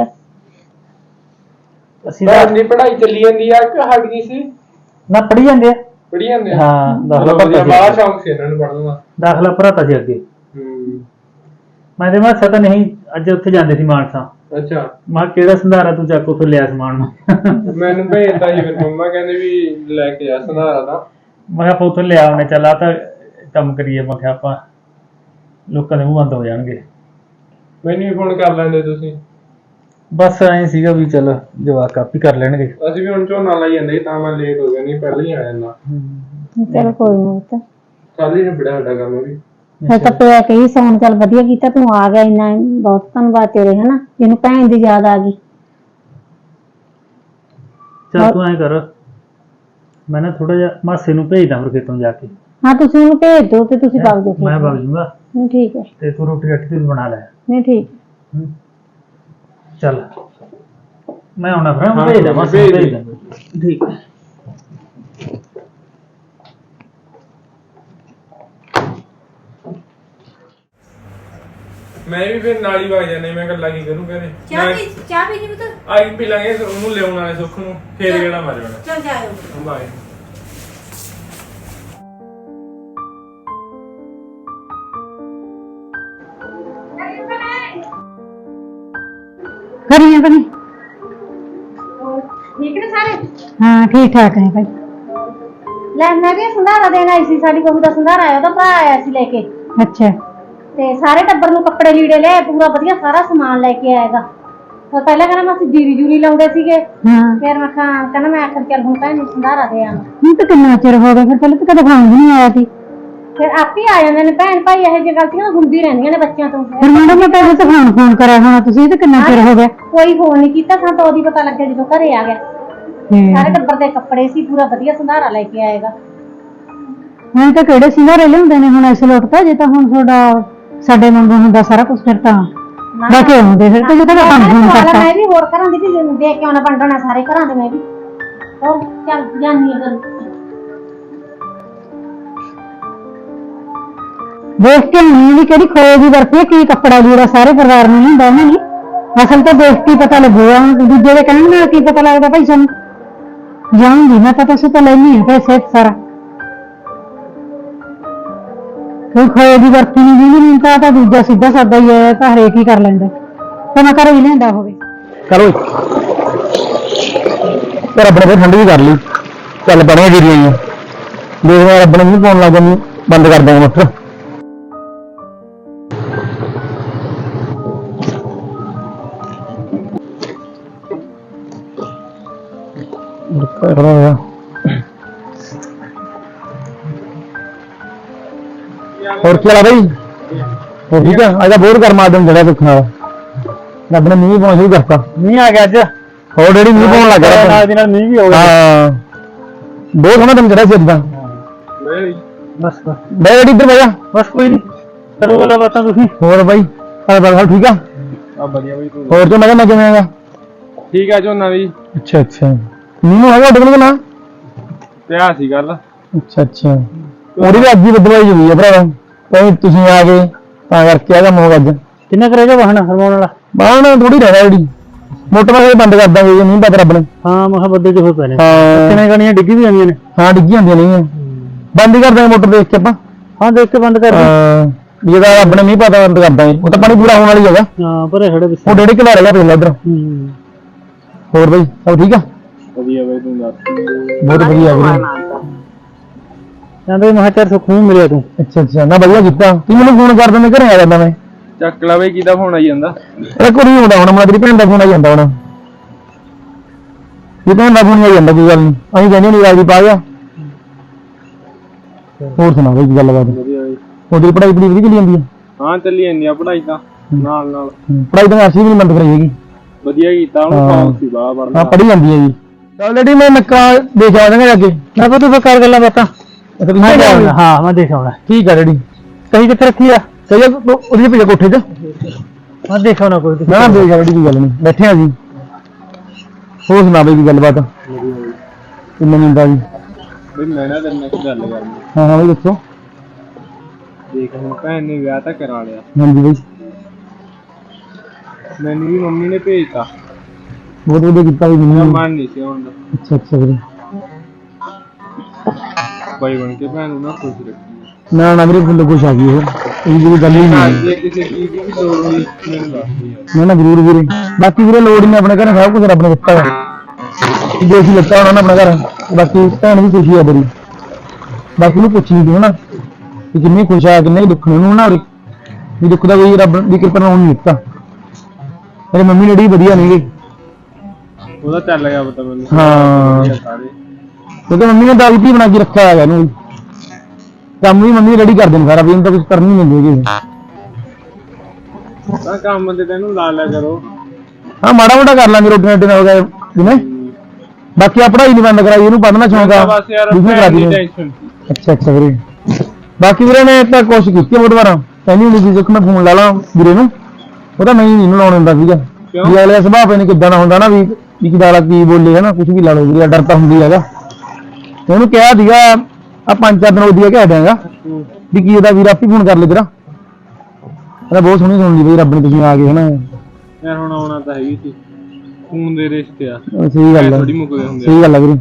S5: ਅਸੀਂ
S4: ਬਾਹਰ
S5: ਤਾਂ
S4: ਦੀ ਪੜ੍ਹਾਈ ਚੱਲੀ ਜਾਂਦੀ ਆ ਕਿ ਹਟ ਗਈ ਸੀ?
S5: ਨਾ ਪੜ੍ਹੀ ਜਾਂਦੇ ਆ।
S4: ਪੜ੍ਹੀ ਜਾਂਦੇ ਆ?
S5: ਹਾਂ ਦਾਖਲਾ
S4: ਚਲੋ ਵਧੀਆ,
S5: ਭਰਤਾ
S4: ਬਾਹਰ
S5: ਸੀ।
S4: ਸ਼ੌਂਕ ਸੀ ਇਹਨਾਂ ਨੂੰ ਪੜ੍ਹਨ ਦਾ।
S5: ਦਾਖਲਾ ਭਰਾਤਾ ਸੀ ਅੱਗੇ।
S4: ਹੂੰ
S5: ਮੈਂ ਤੇ ਮਾਸਾ ਤਾਂ ਨਹੀਂ, ਅੱਜ ਉੱਥੇ ਜਾਂਦੇ ਸੀ ਮਾਨਸਾ।
S4: ਅੱਛਾ,
S5: ਮੈਂ ਕਿਹਾ ਕਿਹੜਾ ਸੰਧਾਰਾ ਤੂੰ ਚੱਕ ਉੱਥੋਂ ਲਿਆ ਸਮਾਨ ਨੂੰ।
S4: ਮੈਨੂੰ ਭੇਜਤਾ ਜੀ। ਫਿਰ ਮੰਮਾ ਕਹਿੰਦੇ ਵੀ ਲੈ ਕੇ ਆ ਸੰਧਾਰਾ ਦਾ।
S5: ਮੈਂ ਕਿਹਾ ਆਪਾਂ ਉੱਥੋਂ ਲਿਆ ਉਹਨੇ, ਚੱਲ ਆ ਤਾਂ ਕੰਮ ਕਰੀਏ। ਮੈਂ ਕਿਹਾ ਆਪਾਂ ਲੋਕਾਂ ਦੇ ਮੂੰਹ ਬੰਦ ਹੋ ਜਾਣਗੇ।
S4: ਮੈਨੂੰ ਵੀ ਫੋਨ ਕਰ ਲੈਂਦੇ ਤੁਸੀਂ।
S5: ਬਸ ਐਂ ਸੀਗਾ ਵੀ ਚੱਲ ਜਵਾਕ ਕਾਪੀ ਕਰ ਲੈਣਗੇ।
S4: ਅਸੀਂ ਵੀ ਹੁਣ ਝੋਨਾ ਲਾਈ ਜਾਂਦੇ ਸੀ, ਤਾਂ ਮੈਂ ਲੇਟ ਹੋ ਗਿਆ, ਨਹੀਂ ਪਹਿਲਾਂ ਹੀ ਆ ਜਾਂਦਾ।
S3: ਚਲ ਕੋਈ ਨਾ ਪੁੱਤ।
S4: ਕੱਲ ਹੀ ਨਿਬੜਿਆ ਸਾਡਾ ਕੰਮ ਵੀ।
S3: ਮੈਂ ਤਾਂ ਪਿਆ ਕਹੀ ਸੌਣ। ਚੱਲ ਵਧੀਆ ਕੀਤਾ ਤੂੰ ਆ ਗਿਆ, ਇੰਨਾ ਬਹੁਤ ਧੰਨਵਾਦ ਤੇਰੇ, ਹਨਾ। ਜਿਹਨੂੰ ਭੈਣ ਦੀ ਯਾਦ ਆ ਗਈ।
S5: ਚੱਲ ਤੂੰ ਐਂ ਕਰ, ਮੈਂ ਨਾ ਥੋੜਾ ਜਿਹਾ ਮਾਸੇ ਨੂੰ ਭੇਜਦਾ ਫਿਰ ਖੇਤੋਂ ਜਾ ਕੇ।
S3: ਹਾਂ ਤੁਸੀਂ ਉਹਨੂੰ ਭੇਜ ਦਿਓ ਤੇ ਤੁਸੀਂ ਵਗ ਜਾਓ।
S5: ਮੈਂ ਵਗ ਜੂੰਗਾ
S3: ਨਹੀਂ ਠੀਕ ਹੈ।
S5: ਤੇ ਤੂੰ ਰੋਟੀ ਰੱਟੀ ਤੂੰ ਬਣਾ ਲੈ।
S3: ਨਹੀਂ ਠੀਕ।
S5: ਹੂੰ। ਚੱਲ ਮੈਂ ਆਉਣਾ ਫਿਰ,
S4: ਹਾਂ,
S5: ਭੇਜਦਾ ਮਾਸੇ ਨੂੰ
S4: ਭੇਜ ਦੇ।
S5: ਭੇਜਦਾ। ਠੀਕ ਹੈ।
S4: ਮੈਂ ਵੀ ਫਿਰ ਨਾਲ ਹੀ ਵਗ ਜਾਣੇ। ਮੈਂ ਗੱਲਾਂ ਕੀ ਕਰੂੰ ਘਰੇ।
S7: ਚਾਹ ਪੀ ਚਾਹ ਪੀ ਜੀ ਪੁੱਤ।
S4: ਆਈ ਪੀ ਲਾਂਗੇ, ਉਹਨੂੰ ਲਿਆਉਣ ਵਾਲੇ ਸੁੱਖ ਨੂੰ ਫੇਰ ਕਿਹੜਾ ਮਾਰ ਜਾਣਾ।
S7: ਚੱਲ ਜਾਇਓ।
S4: ਬਾਏ।
S2: ਕਰੀਏ ਬਣੀ।
S3: ਠੀਕ ਨੇ ਸਾਰੇ?
S2: ਹਾਂ ਠੀਕ ਠਾਕ ਹੈ ਭਾਈ।
S3: ਲੈ ਮੈਂ ਵੀ ਸੰਧਾਰਾ ਦੇਣ ਆਈ ਸੀ। ਸਾਡੀ ਬਹੂ ਦਾ ਸੰਧਾਰਾ ਆਇਆ, ਉਹਦਾ ਭਰਾ ਆਇਆ ਸੀ ਲੈ ਕੇ।
S2: ਅੱਛਾ
S3: ਤੇ ਸਾਰੇ ਟੱਬਰ ਨੂੰ ਕੱਪੜੇ ਲੀੜੇ ਲੈ, ਪੂਰਾ ਵਧੀਆ ਸਾਰਾ ਸਮਾਨ ਲੈ ਕੇ ਆਏਗਾ। ਫਿਰ ਪਹਿਲਾਂ ਕਹਿੰਦਾ ਮੈਂ ਅਸੀਂ ਜੀਰੀ ਜੂਰੀ ਲਾਉਂਦੇ ਸੀਗੇ।
S2: ਹਾਂ।
S3: ਫਿਰ ਮੈਂ ਕਿਹਾ ਕਹਿੰਦਾ ਮੈਂ ਆਖਰ ਚੱਲ ਹੁਣ ਭੈਣ ਨੂੰ ਸੰਧਾਰਾ ਦੇ ਆਵਾਂ।
S2: ਹੁਣ ਤਾਂ ਕਿੰਨਾ ਚਿਰ ਹੋ ਗਿਆ, ਫਿਰ ਪਹਿਲਾਂ ਤਾਂ ਕਦੇ ਖਾਣ ਵੀ ਨਹੀਂ ਆਇਆ ਸੀ।
S3: ਫਿਰ ਆਪੇ ਆ ਜਾਂਦੇ ਨੇ ਭੈਣ ਭਾਈ, ਇਹੋ ਜਿਹੀਆਂ ਗਲਤੀਆਂ ਹੁੰਦੀ ਰਹਿੰਦੀਆਂ ਨੇ ਬੱਚਿਆਂ ਤੋਂ।
S2: ਫਿਰ ਮੈਡਮ ਮੈਂ ਪਹਿਲੇ ਤਾਂ ਫੋਨ ਫੋਨ ਕਰਿਆ ਹੋਣਾ ਤੁਸੀਂ, ਇਹ ਤਾਂ ਕਿੰਨਾ ਚਿਰ ਹੋ ਗਿਆ।
S3: ਕੋਈ ਫੋਨ ਨਹੀਂ ਕੀਤਾ, ਸਾਨੂੰ ਤਾਂ ਉਹਦੀ ਪਤਾ ਲੱਗਿਆ ਜਦੋਂ ਘਰੇ ਆ ਗਿਆ। ਸਾਰੇ ਟੱਬਰ ਦੇ ਕੱਪੜੇ ਸੀ, ਪੂਰਾ ਵਧੀਆ ਸੰਧਾਰਾ ਲੈ ਕੇ ਆਏਗਾ।
S2: ਹੁਣ ਤਾਂ ਕਿਹੜੇ ਸਿੰਗਾਰੇ ਲਿਆਉਂਦੇ ਨੇ ਹੁਣ ਇਸ ਲੋਟ ਤਾਂ, ਜੇ ਤਾਂ ਹੁਣ ਤੁਹਾਡਾ ਸਾਡੇ ਵਾਂਗੂ ਹੁੰਦਾ ਸਾਰਾ ਕੁਝ ਫਿਰ ਤਾਂ ਲੈ ਕੇ ਆਉਂਦੇ। ਫਿਰ ਤਾਂ ਜੇ ਤਾਂ ਤੁਹਾਨੂੰ ਫੋਨ ਕਰਤਾ।
S3: ਮੈਂ ਵੀ ਹੋਰ ਘਰਾਂ ਦੀ ਵੀ ਦੇਖ ਕੇ ਆਉਣਾ ਵੰਡਣਾ, ਸਾਰੇ ਘਰਾਂ ਦੇ ਮੈਂ ਵੀ ਹੋਰ ਚੱਲ ਜਾਨੀ ਆ ਘਰ।
S2: ਦੇਖ ਕੇ ਨਹੀਂ ਵੀ ਕਿਹੜੀ ਖੋਏ ਦੀ ਵਰਤੀ ਹੈ, ਕੀ ਕੱਪੜਾ ਲੀੜਾ ਸਾਰੇ ਪਰਿਵਾਰ ਨੂੰ ਹੁੰਦਾ ਉਹਨਾਂ ਨੇ। ਅਸਲ ਤਾਂ ਦੇਖ ਕੇ ਪਤਾ ਲੱਗੂਗਾ, ਦੂਜੇ ਦੇ ਕਹਿਣ ਨਾਲ ਕੀ ਪਤਾ ਲੱਗਦਾ ਭਾਈ ਸਾਨੂੰ। ਜਾਊਂਗੀ ਮੈਂ ਤਾਂ, ਤੁਸੀਂ ਤਾਂ ਲੈਣੀ ਹੈ ਪੈਸੇ ਸਾਰਾ। ਕੋਈ ਖੋਏ ਦੀ ਵਰਤੀ ਨਹੀਂ ਜਿਹਨੂੰ ਨਹੀਂ ਤਾਂ ਤਾਂ ਦੂਜਾ ਸਿੱਧਾ ਸਾਦਾ ਹੀ ਹੈ, ਤਾਂ ਹਰੇਕ ਹੀ ਕਰ ਲੈਂਦਾ। ਤਾਂ ਮੈਂ ਘਰੋਂ ਹੀ ਲਿਆਂਦਾ ਹੋਵੇ।
S4: ਕਰੋ ਪਰ ਆਪਣੇ ਕੋਲ ਠੰਡ ਵੀ ਕਰ ਲਈ, ਚੱਲ ਬੜੀਆਂ ਜੀ ਰਹੀਆਂ ਦੇਖਦੇ ਰੱਬ ਨੂੰ ਪਾਉਣ ਲੱਗ ਜਾਂਦੀ, ਬੰਦ ਕਰ ਦਾਂਗੇ ਮੋਟਰ। ਹੋਰ ਕੀ ਹਾਲ ਆ ਬਈ? ਹੋਰ ਠੀਕ ਆ? ਅੱਜ ਬਹੁਤ ਗਰਮਾ ਦਿਨ ਜਿਹੜਾ ਦੁੱਖ ਨਾਲ ਰੱਬ ਨੇ ਮੀਂਹ ਪਾਉਣਾ ਸ਼ੁਰੂ ਕਰਤਾ।
S5: ਮੀਂਹ ਆ ਗਿਆ ਅੱਜ,
S4: ਹੋਰ ਡੈਡੀ ਮੀਂਹ ਪਾਉਣ ਲੱਗ ਗਿਆ
S5: ਨਾਲ ਦੀ ਨਾਲ ਮੀਂਹ ਵੀ ਹੋ ਗਿਆ।
S4: ਹਾਂ ਬਹੁਤ ਸੋਹਣਾ ਦਿਨ ਚੜਿਆ ਸੀ ਅੱਜ ਤਾਂ।
S5: ਬਸ ਬਸ
S4: ਬਈ ਡੈਡੀ ਇੱਧਰ ਬਹਿ ਜਾ।
S5: ਬਸ ਕੋਈ ਨਹੀਂ, ਕਰੋ ਗੱਲਾਂ ਬਾਤਾਂ ਤੁਸੀਂ।
S4: ਹੋਰ ਬਾਈ ਹਾਲ ਬਾਲ ਠੀਕ ਆ?
S5: ਆ ਵਧੀਆ ਬਈ ਤੂੰ।
S4: ਹੋਰ ਤੋਂ ਮੈਂ ਕਿਹਾ ਮੈਂ ਕਿਵੇਂ ਆਗਾ?
S5: ਠੀਕ ਆ ਝੋਨਾ ਵੀ
S4: ਅੱਛਾ ਅੱਛਾ, ਮੀਂਹ ਹੈਗਾ ਤੁਹਾਡੇ ਕੋਲ ਨਾ?
S5: ਪਿਆ ਸੀ ਗੱਲ।
S4: ਅੱਛਾ ਅੱਛਾ, ਉਹਦੀ ਵੀ ਅੱਜ ਹੀ ਬਦਲਾਈ ਹੋਈ ਆ ਭਰਾਵਾ, ਕੋਈ ਤੁਸੀਂ ਆ ਗਏ ਤਾਂ ਕਰਕੇ ਆ ਕੰਮ ਹੋ ਗਿਆ ਅੱਜ।
S5: ਕਿੰਨਾ ਕਰੇਗਾ ਵਾਹਣ ਹਰਮਾਉਣ ਵਾਲਾ?
S4: ਬਾਹਣ ਥੋੜੀ ਰਹਿਣਾ ਜਿਹੜੀ ਮੋਟਰ ਵਾਲੇ ਬੰਦ ਕਰ ਦਾਂਗੇ ਜੇ ਨਹੀਂ ਪਤਾ ਰੱਬ ਨੇ।
S5: ਹਾਂ ਮੈਂ ਕਿਹਾ ਬੱਦੇ ਚ ਹੋ ਪਏ ਨੇ।
S4: ਹਾਂ
S5: ਕਿੰਨੇ ਗਾਣੀਆਂ ਡਿੱਗੀ ਵੀ ਜਾਂਦੀਆਂ ਨੇ।
S4: ਹਾਂ ਡਿੱਗੀ ਹੁੰਦੀਆਂ ਨਹੀਂ, ਬੰਦ ਹੀ ਕਰ ਦਾਂਗੇ ਮੋਟਰ ਦੇਖ ਕੇ ਆਪਾਂ।
S5: ਹਾਂ ਦੇਖ ਕੇ ਬੰਦ ਕਰ ਦੇ।
S4: ਹਾਂ ਜਿਹਦਾ ਰੱਬ ਨੇ ਮੀਂਹ ਪਤਾ ਬੰਦ ਕਰ ਦਾਂਗੇ, ਉਹ ਤਾਂ ਪਾਣੀ ਪੂਰਾ ਹੋਣ ਵਾਲੀ ਹੈਗਾ।
S5: ਹਾਂ ਭਰੇ ਖੜੇ ਪਿੱਛੇ।
S4: ਉਹ ਡੇਢ ਕਿਲਾ ਰਹਿ ਗਿਆ ਪਹਿਲਾਂ ਇੱਧਰ।
S5: ਹੂੰ
S4: ਹੋਰ ਬਈ ਸਭ ਠੀਕ ਆ?
S5: ਵਧੀਆ ਬਈ ਤੂੰ ਦੱਸ।
S4: ਬਹੁਤ ਵਧੀਆ ਵੀਰੇ।
S5: ਕਹਿੰਦੇ ਮੈਂ ਕਿਹਾ ਚੱਲ ਸੁੱਖ ਨੂੰ ਮਿਲਿਆ ਤੂੰ।
S4: ਅੱਛਾ ਅੱਛਾ, ਨਾ ਵਧੀਆ ਕੀਤਾ ਤੂੰ ਮੈਨੂੰ ਫੋਨ ਕਰ ਦਿੰਦੇ, ਘਰੇ ਆ ਜਾਂਦਾ ਮੈਂ।
S5: ਚੱਕ ਲਾ ਬਈ, ਕਿਹਦਾ ਫੋਨ ਆਈ ਜਾਂਦਾ?
S4: ਇਹ ਕੁੜੀ ਆਉਂਦਾ ਹੁਣ, ਮੈਂ ਤੇਰੀ ਭੈਣ ਦਾ ਫੋਨ ਆਈ ਜਾਂਦਾ ਹੁਣ। ਇਹ ਭੈਣ ਦਾ ਫੋਨ ਆਈ ਜਾਂਦਾ, ਕੋਈ ਗੱਲ ਨਹੀਂ, ਅਸੀਂ ਕਹਿੰਦੇ ਨਹੀਂ ਰਾਜੀ ਪਾ ਗਿਆ। ਹੋਰ ਸੁਣਾ ਬਈ ਕੀ ਗੱਲਬਾਤ?
S5: ਵਧੀਆ ਬਈ।
S4: ਉਹਦੀ ਪੜ੍ਹਾਈ ਪੜ੍ਹਾਈ ਵਧੀਆ ਚੱਲੀ ਜਾਂਦੀ ਹੈ?
S5: ਹਾਂ ਚੱਲੀ ਜਾਂਦੀ ਆ ਪੜ੍ਹਾਈ ਤਾਂ ਨਾਲ ਨਾਲ।
S4: ਪੜ੍ਹਾਈ ਤਾਂ ਅਸੀਂ ਵੀ ਨਹੀਂ ਬੰਦ ਕਰਾਈ ਹੈਗੀ।
S5: ਵਧੀਆ ਕੀਤਾ ਉਹਨੂੰ, ਸ਼ੌਂਕ ਸੀ ਬਾਹਰ ਪੜ੍ਹਨਾ।
S4: ਹਾਂ ਪੜ੍ਹੀ ਜਾਂਦੀ ਹੈ ਜੀ। ਚੱਲ ਡੈਡੀ ਮੈਂ ਨੱਕਾ ਦੇਖ ਆਵਾਂਗਾ ਜਾ ਕੇ।
S5: ਮੈਂ ਪਤਾ ਤੂੰ ਕਰ ਗੱਲਾਂ ਬਾਤਾਂ।
S4: ਮੈਂ ਜਾਊਂਗਾ।
S5: ਹਾਂ ਮੈਂ ਦੇਖ ਆਉਣਾ।
S4: ਠੀਕ ਆ ਡੈਡੀ।
S5: ਕਹੀ ਕਿੱਥੇ ਰੱਖੀ ਆ?
S4: ਸਹੀ ਆ, ਉਹਦੀ ਭੇਜਾ ਕੋਠੇ 'ਚ।
S5: ਮੈਂ ਦੇਖ ਆਉਣਾ ਕੋਈ।
S4: ਨਾ ਨਾ ਦੇਖ ਡੈਡੀ, ਕੋਈ ਗੱਲ ਨਹੀਂ, ਬੈਠੇ ਆ ਜੀ। ਹੋਰ ਸੁਣਾ ਬਈ ਕੀ ਗੱਲਬਾਤ? ਕਿੰਨੇ ਮਿੰਟਾਂ ਜੀ?
S5: ਬਈ ਮੈਂ ਨਾ ਤੇਰੇ ਨਾਲ ਇੱਕ ਗੱਲ ਕਰਨੀ।
S4: ਹਾਂ ਹਾਂ ਬਈ ਦੱਸੋ।
S5: ਦੇਖ ਹੁਣ ਭੈਣ ਨੇ ਵਿਆਹ ਤਾਂ ਕਰਾ ਲਿਆ,
S4: ਹਾਂਜੀ ਬਈ
S5: ਮੈਨੂੰ ਵੀ ਮੰਮੀ ਨੇ ਭੇਜਤਾ।
S4: ਬਹੁਤ ਵਧੀਆ ਕੀਤਾ ਬਈ
S5: ਮੇਰਾ
S4: ਮੈਨੂੰ।
S5: ਮਨ ਨਹੀਂ ਸੀ ਹੁਣ ਦਾ।
S4: ਅੱਛਾ ਅੱਛਾ ਵੀਰੇ।
S5: ਬਾਈ ਬਣ ਕੇ ਭੈਣ ਨੂੰ ਨਾ ਖੁਸ਼ ਰੱਖੀ।
S4: ਨਾ ਨਾ ਵੀਰੇ ਫੁੱਲ ਕੁਛ ਆ ਗਈ ਇਹ ਇਹ ਜਿਹੜੀ ਗੱਲ ਹੀ ਨਹੀਂ।
S5: ਜੇ ਕਿਸੇ ਚੀਜ਼ ਦੀ ਵੀ ਲੋੜ ਹੋਈ ਮੈਨੂੰ ਦੱਸ ਦੇ।
S4: ਨਾ ਨਾ ਜ਼ਰੂਰ ਵੀਰੇ, ਬਾਕੀ ਵੀਰੇ ਲੋੜ ਨਹੀਂ, ਆਪਣੇ ਘਰ ਸਭ ਕੁਝ ਰੱਬ ਨੇ ਦਿੱਤਾ ਹੈ। ਜੇ ਅਸੀਂ ਲੱਤਾ ਹੋਣਾ ਨਾ ਆਪਣਾ ਘਰ, ਬਾਕੀ ਭੈਣ ਵੀ ਖੁਸ਼ੀ ਆ ਬੜੀ। ਬਾਕੀ ਨੂੰ ਪੁੱਛ ਨਹੀਂ ਹੋਣਾ ਕਿ ਕਿੰਨੀ ਖੁਸ਼ ਆ, ਕਿੰਨੇ ਦੁੱਖ ਨੇ ਉਹਨੂੰ ਨਾ। ਉਰੇ ਵੀ ਦੁੱਖ ਦਾ ਵੀ ਰੱਬ ਦੀ ਕਿਰਪਾ ਨਾਲ ਨਹੀਂ ਦਿੱਤਾ। ਮੇਰੇ ਮੰਮੀ ਡੈਡੀ ਵਧੀਆ ਨੇਗੇ।
S5: ਉਹਦਾ ਚੱਲ ਗਿਆ ਪਤਾ ਮੈਨੂੰ।
S4: ਹਾਂ
S5: ਸਾਰੇ
S4: ਕਿਉਂਕਿ ਮੰਮੀ ਨੇ ਦਾਲ ਵੀ ਬਣਾ ਕੇ ਰੱਖਿਆ ਹੈਗਾ ਇਹਨੂੰ। ਕੰਮ ਵੀ ਮੰਮੀ ਰੈਡੀ ਕਰਦੇ ਨੇ ਸਾਰਾ, ਵੀ ਇਹਨੂੰ ਤਾਂ ਕੁਝ ਕਰਨੀ ਨਹੀਂ ਦਿੰਦੇ।
S5: ਤਾਂ ਕੰਮ ਤੇ ਤੈਨੂੰ ਲਾ ਲਿਆ ਕਰੋ।
S4: ਹਾਂ ਮਾੜਾ ਮੋਟਾ ਕਰ ਲਾਂਗੇ, ਰੋਟੀ ਰੋਟੀ ਨਾਲ ਵਗੈਰਾ ਜਿਵੇਂ। ਬਾਕੀ ਆ ਪੜ੍ਹਾਈ ਨਹੀਂ ਬੰਦ ਕਰਾਈ, ਇਹਨੂੰ ਪੜ੍ਹਨਾ ਸ਼ੌਂਕ ਆ।
S5: ਬਸ ਯਾਰ
S4: ਬਿਜ਼ਨਸ ਕਰਾ
S5: ਭੈਣ ਦੀ
S4: ਦੀ।
S5: ਟੈਨਸ਼ਨ ਸੀ।
S4: ਅੱਛਾ ਅੱਛਾ ਵੀਰੇ, ਬਾਕੀ ਵੀਰੇ ਨੇ ਤਾਂ ਕੋਸ਼ਿਸ਼ ਕੀਤੀ ਬਹੁਤ ਵਾਰ, ਕਹਿੰਦੀ ਹੁੰਦੀ ਸੀ ਕਿ ਮੈਂ ਫੋਨ ਲਾ ਲਾਂ ਵੀਰੇ ਨੂੰ, ਉਹ ਤਾਂ ਮੈਂ ਹੀ ਨਹੀਂ ਲਾਉਣ ਦਿੰਦਾ ਸੀਗਾ। ਵੀ ਅਗਲੇ ਸੁਭਾਅ ਪੈ ਨਹੀਂ ਕਿੱਦਾਂ ਦਾ ਹੁੰਦਾ ਨਾ, ਵੀ ਵੀ ਕਿਦਾਂ ਦਾ ਕੀ ਬੋਲੇ ਹੈ ਨਾ, ਕੁਝ ਵੀ ਲਾ ਲਓ ਵੀਰੇ, ਡਰ ਤਾਂ ਹੁੰਦੀ ਹੈਗਾ। ਤੇ ਉਹਨੂੰ ਕਿਹਾ ਸੀਗਾ ਆ ਪੰਜ ਚਾਰ ਦਿਨ ਉਹਦੀ ਕਹਿ ਦਿਆਂਗਾ ਵੀ ਕੀ ਉਹਦਾ ਵੀਰ ਆਪੀ ਫੋਨ ਕਰ ਲੈ ਤੇਰਾ। ਕਹਿੰਦਾ ਬਹੁਤ ਸੋਹਣੀ ਸੁਣਦੀ ਬਈ, ਰੱਬ ਨੇ ਤੁਸੀਂ ਆ ਗਏ ਹਨਾ।
S5: ਯਾਰ ਹੁਣ ਆਉਣਾ ਤਾਂ ਹੈਗੀ ਸੀ, ਖੂਨ ਦੇ ਰਿਸ਼ਤੇ ਆ।
S4: ਸਹੀ ਗੱਲ ਹੈ,
S5: ਥੋੜੀ ਮੁੱਕਦੇ ਹੁੰਦੇ।
S4: ਸਹੀ ਗੱਲ ਹੈ ਵੀਰੇ।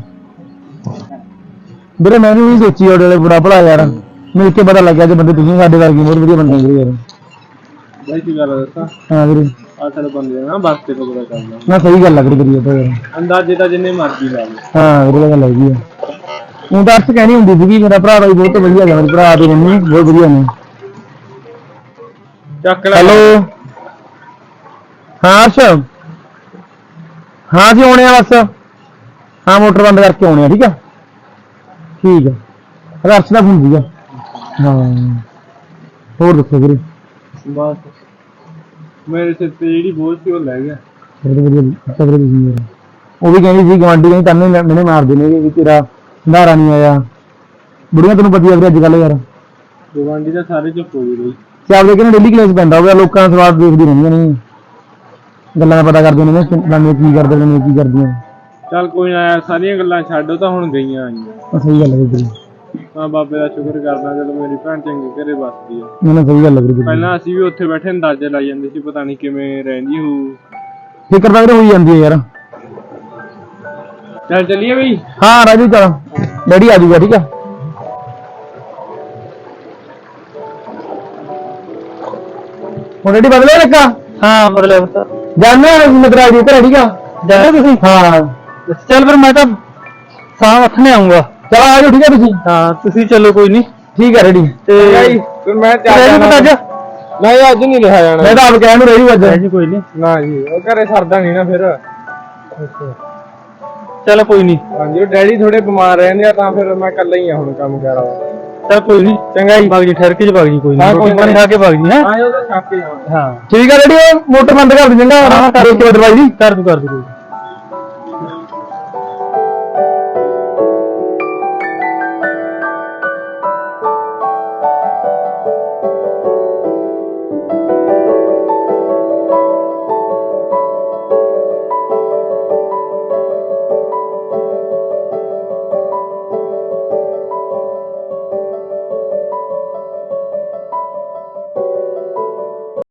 S4: ਵੀਰੇ ਮੈਨੂੰ ਵੀ ਸੋਚੀ ਉਹਦੇ ਵਾਲੇ ਬੁਰਾ ਭਲਾ ਯਾਰ, ਮਿਲ ਕੇ ਪਤਾ ਲੱਗਿਆ ਕਿ ਬੰਦੇ ਤੁਸੀਂ ਸਾਡੇ ਵਰਗੇ ਬਹੁਤ ਵਧੀਆ ਬੰਦੇ ਵੀਰੇ ਯਾਰ।
S5: ਬਾਈ ਕੀ ਗੱਲ ਦੱਸਾਂ,
S4: ਹਾਂ ਵੀਰੇ
S5: ਆ ਸਾਡੇ ਬੰਦੇ ਨਾ ਬਸ ਤੇ ਪਤਾ ਕਰਨਾ।
S4: ਨਾ ਸਹੀ ਗੱਲ ਲੱਗ ਰਹੀ ਤਾਂ ਯਾਰ।
S5: ਅੰਦਾਜ਼ੇ ਤਾਂ ਜਿੰਨੇ ਮਰਜ਼ੀ ਲਾ ਲਓ।
S4: ਹਾਂ ਵੀਰੇ ਗੱਲ ਹੈਗੀ ਆ। ਉਹ ਤਾਂ ਅਰਸ਼ ਕਹਿਣੀ ਹੁੰਦੀ ਸੀਗੀ ਮੇਰਾ ਭਰਾ ਬਾਈ ਬਹੁਤ ਵਧੀਆ ਹੈ, ਮੇਰੇ ਭਰਾ ਤੇ ਮੰਮੀ ਬਹੁਤ ਵਧੀਆ ਨੇ।
S5: ਚੱਕ ਲੈ।
S4: ਹੈਲੋ ਹਾਂ ਅਰਸ਼, ਹਾਂ ਜੀ ਆਉਣੇ ਆ ਬਸ। ਹਾਂ ਮੋਟਰ ਬੰਦ ਕਰਕੇ ਆਉਣੇ ਆ, ਠੀਕ ਆ ਠੀਕ ਆ। ਅਰਸ਼ ਦਾ ਫੋਨ ਸੀਗਾ। ਹਾਂ ਹੋਰ ਦੱਸੋ ਵੀਰੇ
S5: ਬਸ ਮੇਰੇ ਸਿਰ ਤੇ ਜਿਹੜੀ ਬੋਝ ਸੀ ਉਹ ਲੈ ਗਿਆ।
S4: ਉਹ ਵੀ ਕਹਿੰਦੀ ਸੀ ਗਵਾਂਢੀ ਕਹਿੰਦੀ ਤੈਨੂੰ ਮੈਨੇ ਮਾਰਦੇ ਨੇ ਵੀ ਤੇਰਾ ਸੰਧਾਰਾ ਨਹੀਂ ਆਇਆ। ਬੁੜੀਆਂ ਤੈਨੂੰ ਪਤੀ ਆ ਵੀਰੇ ਅੱਜ ਕੱਲ ਯਾਰ
S5: ਗਵਾਂਢੀ ਦਾ ਸਾਰੇ ਚੁੱਪ ਹੋ ਗਏ ਬਈ।
S4: ਤੇ ਆਪਦੇ ਕਹਿੰਦੇ ਡੇਲੀ ਕਲੇਸ ਪੈਂਦਾ ਹੋਵੇ ਲੋਕਾਂ ਦਾ ਸਵਾਦ ਦੇਖਦੀ ਰਹਿੰਦੀਆਂ ਨੇ ਗੱਲਾਂ ਦਾ ਪਤਾ ਕਰਦੀਆਂ ਨੇ ਫਲਾਣੇ ਕੀ ਕਰਦੇ ਨੇ ਕੀ ਕਰਦੀਆਂ।
S5: ਚੱਲ ਕੋਈ ਨਾ ਯਾਰ ਸਾਰੀਆਂ ਗੱਲਾਂ ਛੱਡ ਉਹ ਤਾਂ ਹੁਣ ਗਈਆਂ ਆਈਆਂ।
S4: ਸਹੀ ਗੱਲ ਹੈ ਵੀਰੇ
S5: ਮੈਂ ਬਾਬੇ ਦਾ ਸ਼ੁਕਰ ਕਰਦਾ ਜਦੋਂ ਮੇਰੀ ਭੈਣ ਚੰਗੇ ਘਰੇ ਵੱਸਦੀ ਆ।
S4: ਮੈਨੂੰ ਸਹੀ ਗੱਲ ਹੈ ਵੀਰੇ
S5: ਪਹਿਲਾਂ ਅਸੀਂ ਵੀ ਉੱਥੇ ਬੈਠੇ ਅੰਦਾਜ਼ੇ ਲਾਈ ਜਾਂਦੇ ਸੀ ਪਤਾ ਨਹੀਂ ਕਿਵੇਂ ਰਹਿੰਦੀ ਹੋਊ।
S4: ਫਿਕਰ ਤਾਂ ਵੀਰੇ ਹੋਈ ਜਾਂਦੀ ਹੈ ਯਾਰ।
S5: ਚੱਲ ਚੱਲੀਏ ਬਈ।
S4: ਹਾਂ ਰਾਜੂ ਚੱਲ ਡੈਡੀ ਆ ਜਾਊਗਾ ਠੀਕ ਆ। ਹੁਣ ਡੈਡੀ ਬਦਲੇ ਲੱਗਾ।
S5: ਹਾਂ ਮਤਲਬ
S4: ਜਾਣਾ ਮਦਰਾ ਜੀ ਘਰੇ ਠੀਕ ਆ। ਜਾਣਾ ਤੁਸੀਂ ਹਾਂ
S5: ਚੱਲ ਫਿਰ ਮੈਂ ਤਾਂ ਸਾਹ ਹੱਥਨੇ ਆਉਂਗਾ।
S4: ਚਲ ਆ ਜਾਓ ਠੀਕ ਆ ਤੁਸੀਂ।
S5: ਹਾਂ ਤੁਸੀਂ ਚਲੋ ਕੋਈ ਨਹੀਂ।
S4: ਠੀਕ ਆ ਰੈਡੀ
S5: ਤੇ
S4: ਫਿਰ ਮੈਂ ਚੱਲ
S5: ਅੱਜ
S4: ਨਹੀਂ ਅੱਜ ਨਹੀਂ ਲਿਖਿਆ ਜਾਣਾ। ਮੈਂ ਤਾਂ ਆਪ ਕਹਿਣ ਨੂੰ ਰਹੀ ਅੱਜ
S5: ਜੀ ਕੋਈ ਨਹੀਂ।
S4: ਨਾ ਜੀ ਉਹ ਘਰੇ ਸਰਦਾ ਨਹੀਂ ਨਾ ਫਿਰ।
S5: ਚੱਲ ਕੋਈ ਨਹੀਂ।
S4: ਹਾਂਜੀ ਉਹ ਡੈਡੀ ਥੋੜੇ ਬਿਮਾਰ ਰਹਿੰਦੇ ਆ ਤਾਂ ਫਿਰ ਮੈਂ ਇਕੱਲਾ ਹੀ ਆ ਹੁਣ ਕੰਮ ਕਰ ਰਹਾ।
S5: ਚੱਲ ਕੋਈ ਨਹੀਂ ਚੰਗਾ ਜੀ ਬਾਗ ਜੀ ਠਹਿਰ ਕੇ ਬਾਗ ਜੀ ਕੋਈ ਨਹੀਂ ਰੋਟੀ ਪਾਣੀ ਖਾ ਕੇ ਬਾਗ ਜੀ ਹੈ।
S4: ਹਾਂ ਉਹ ਤਾਂ ਛੱਕ ਕੇ
S5: ਹਾਂ
S4: ਠੀਕ ਆ ਰੈਡੀ ਉਹ ਮੋਟਰ ਬੰਦ ਕਰ ਦੇ ਚੰਗਾ। ਹਾਂ ਕਰ ਕੇ ਦਰਵਾਜ਼ੇ ਦੀ
S5: ਕਰ ਦੂ ਕਰ ਦੂ।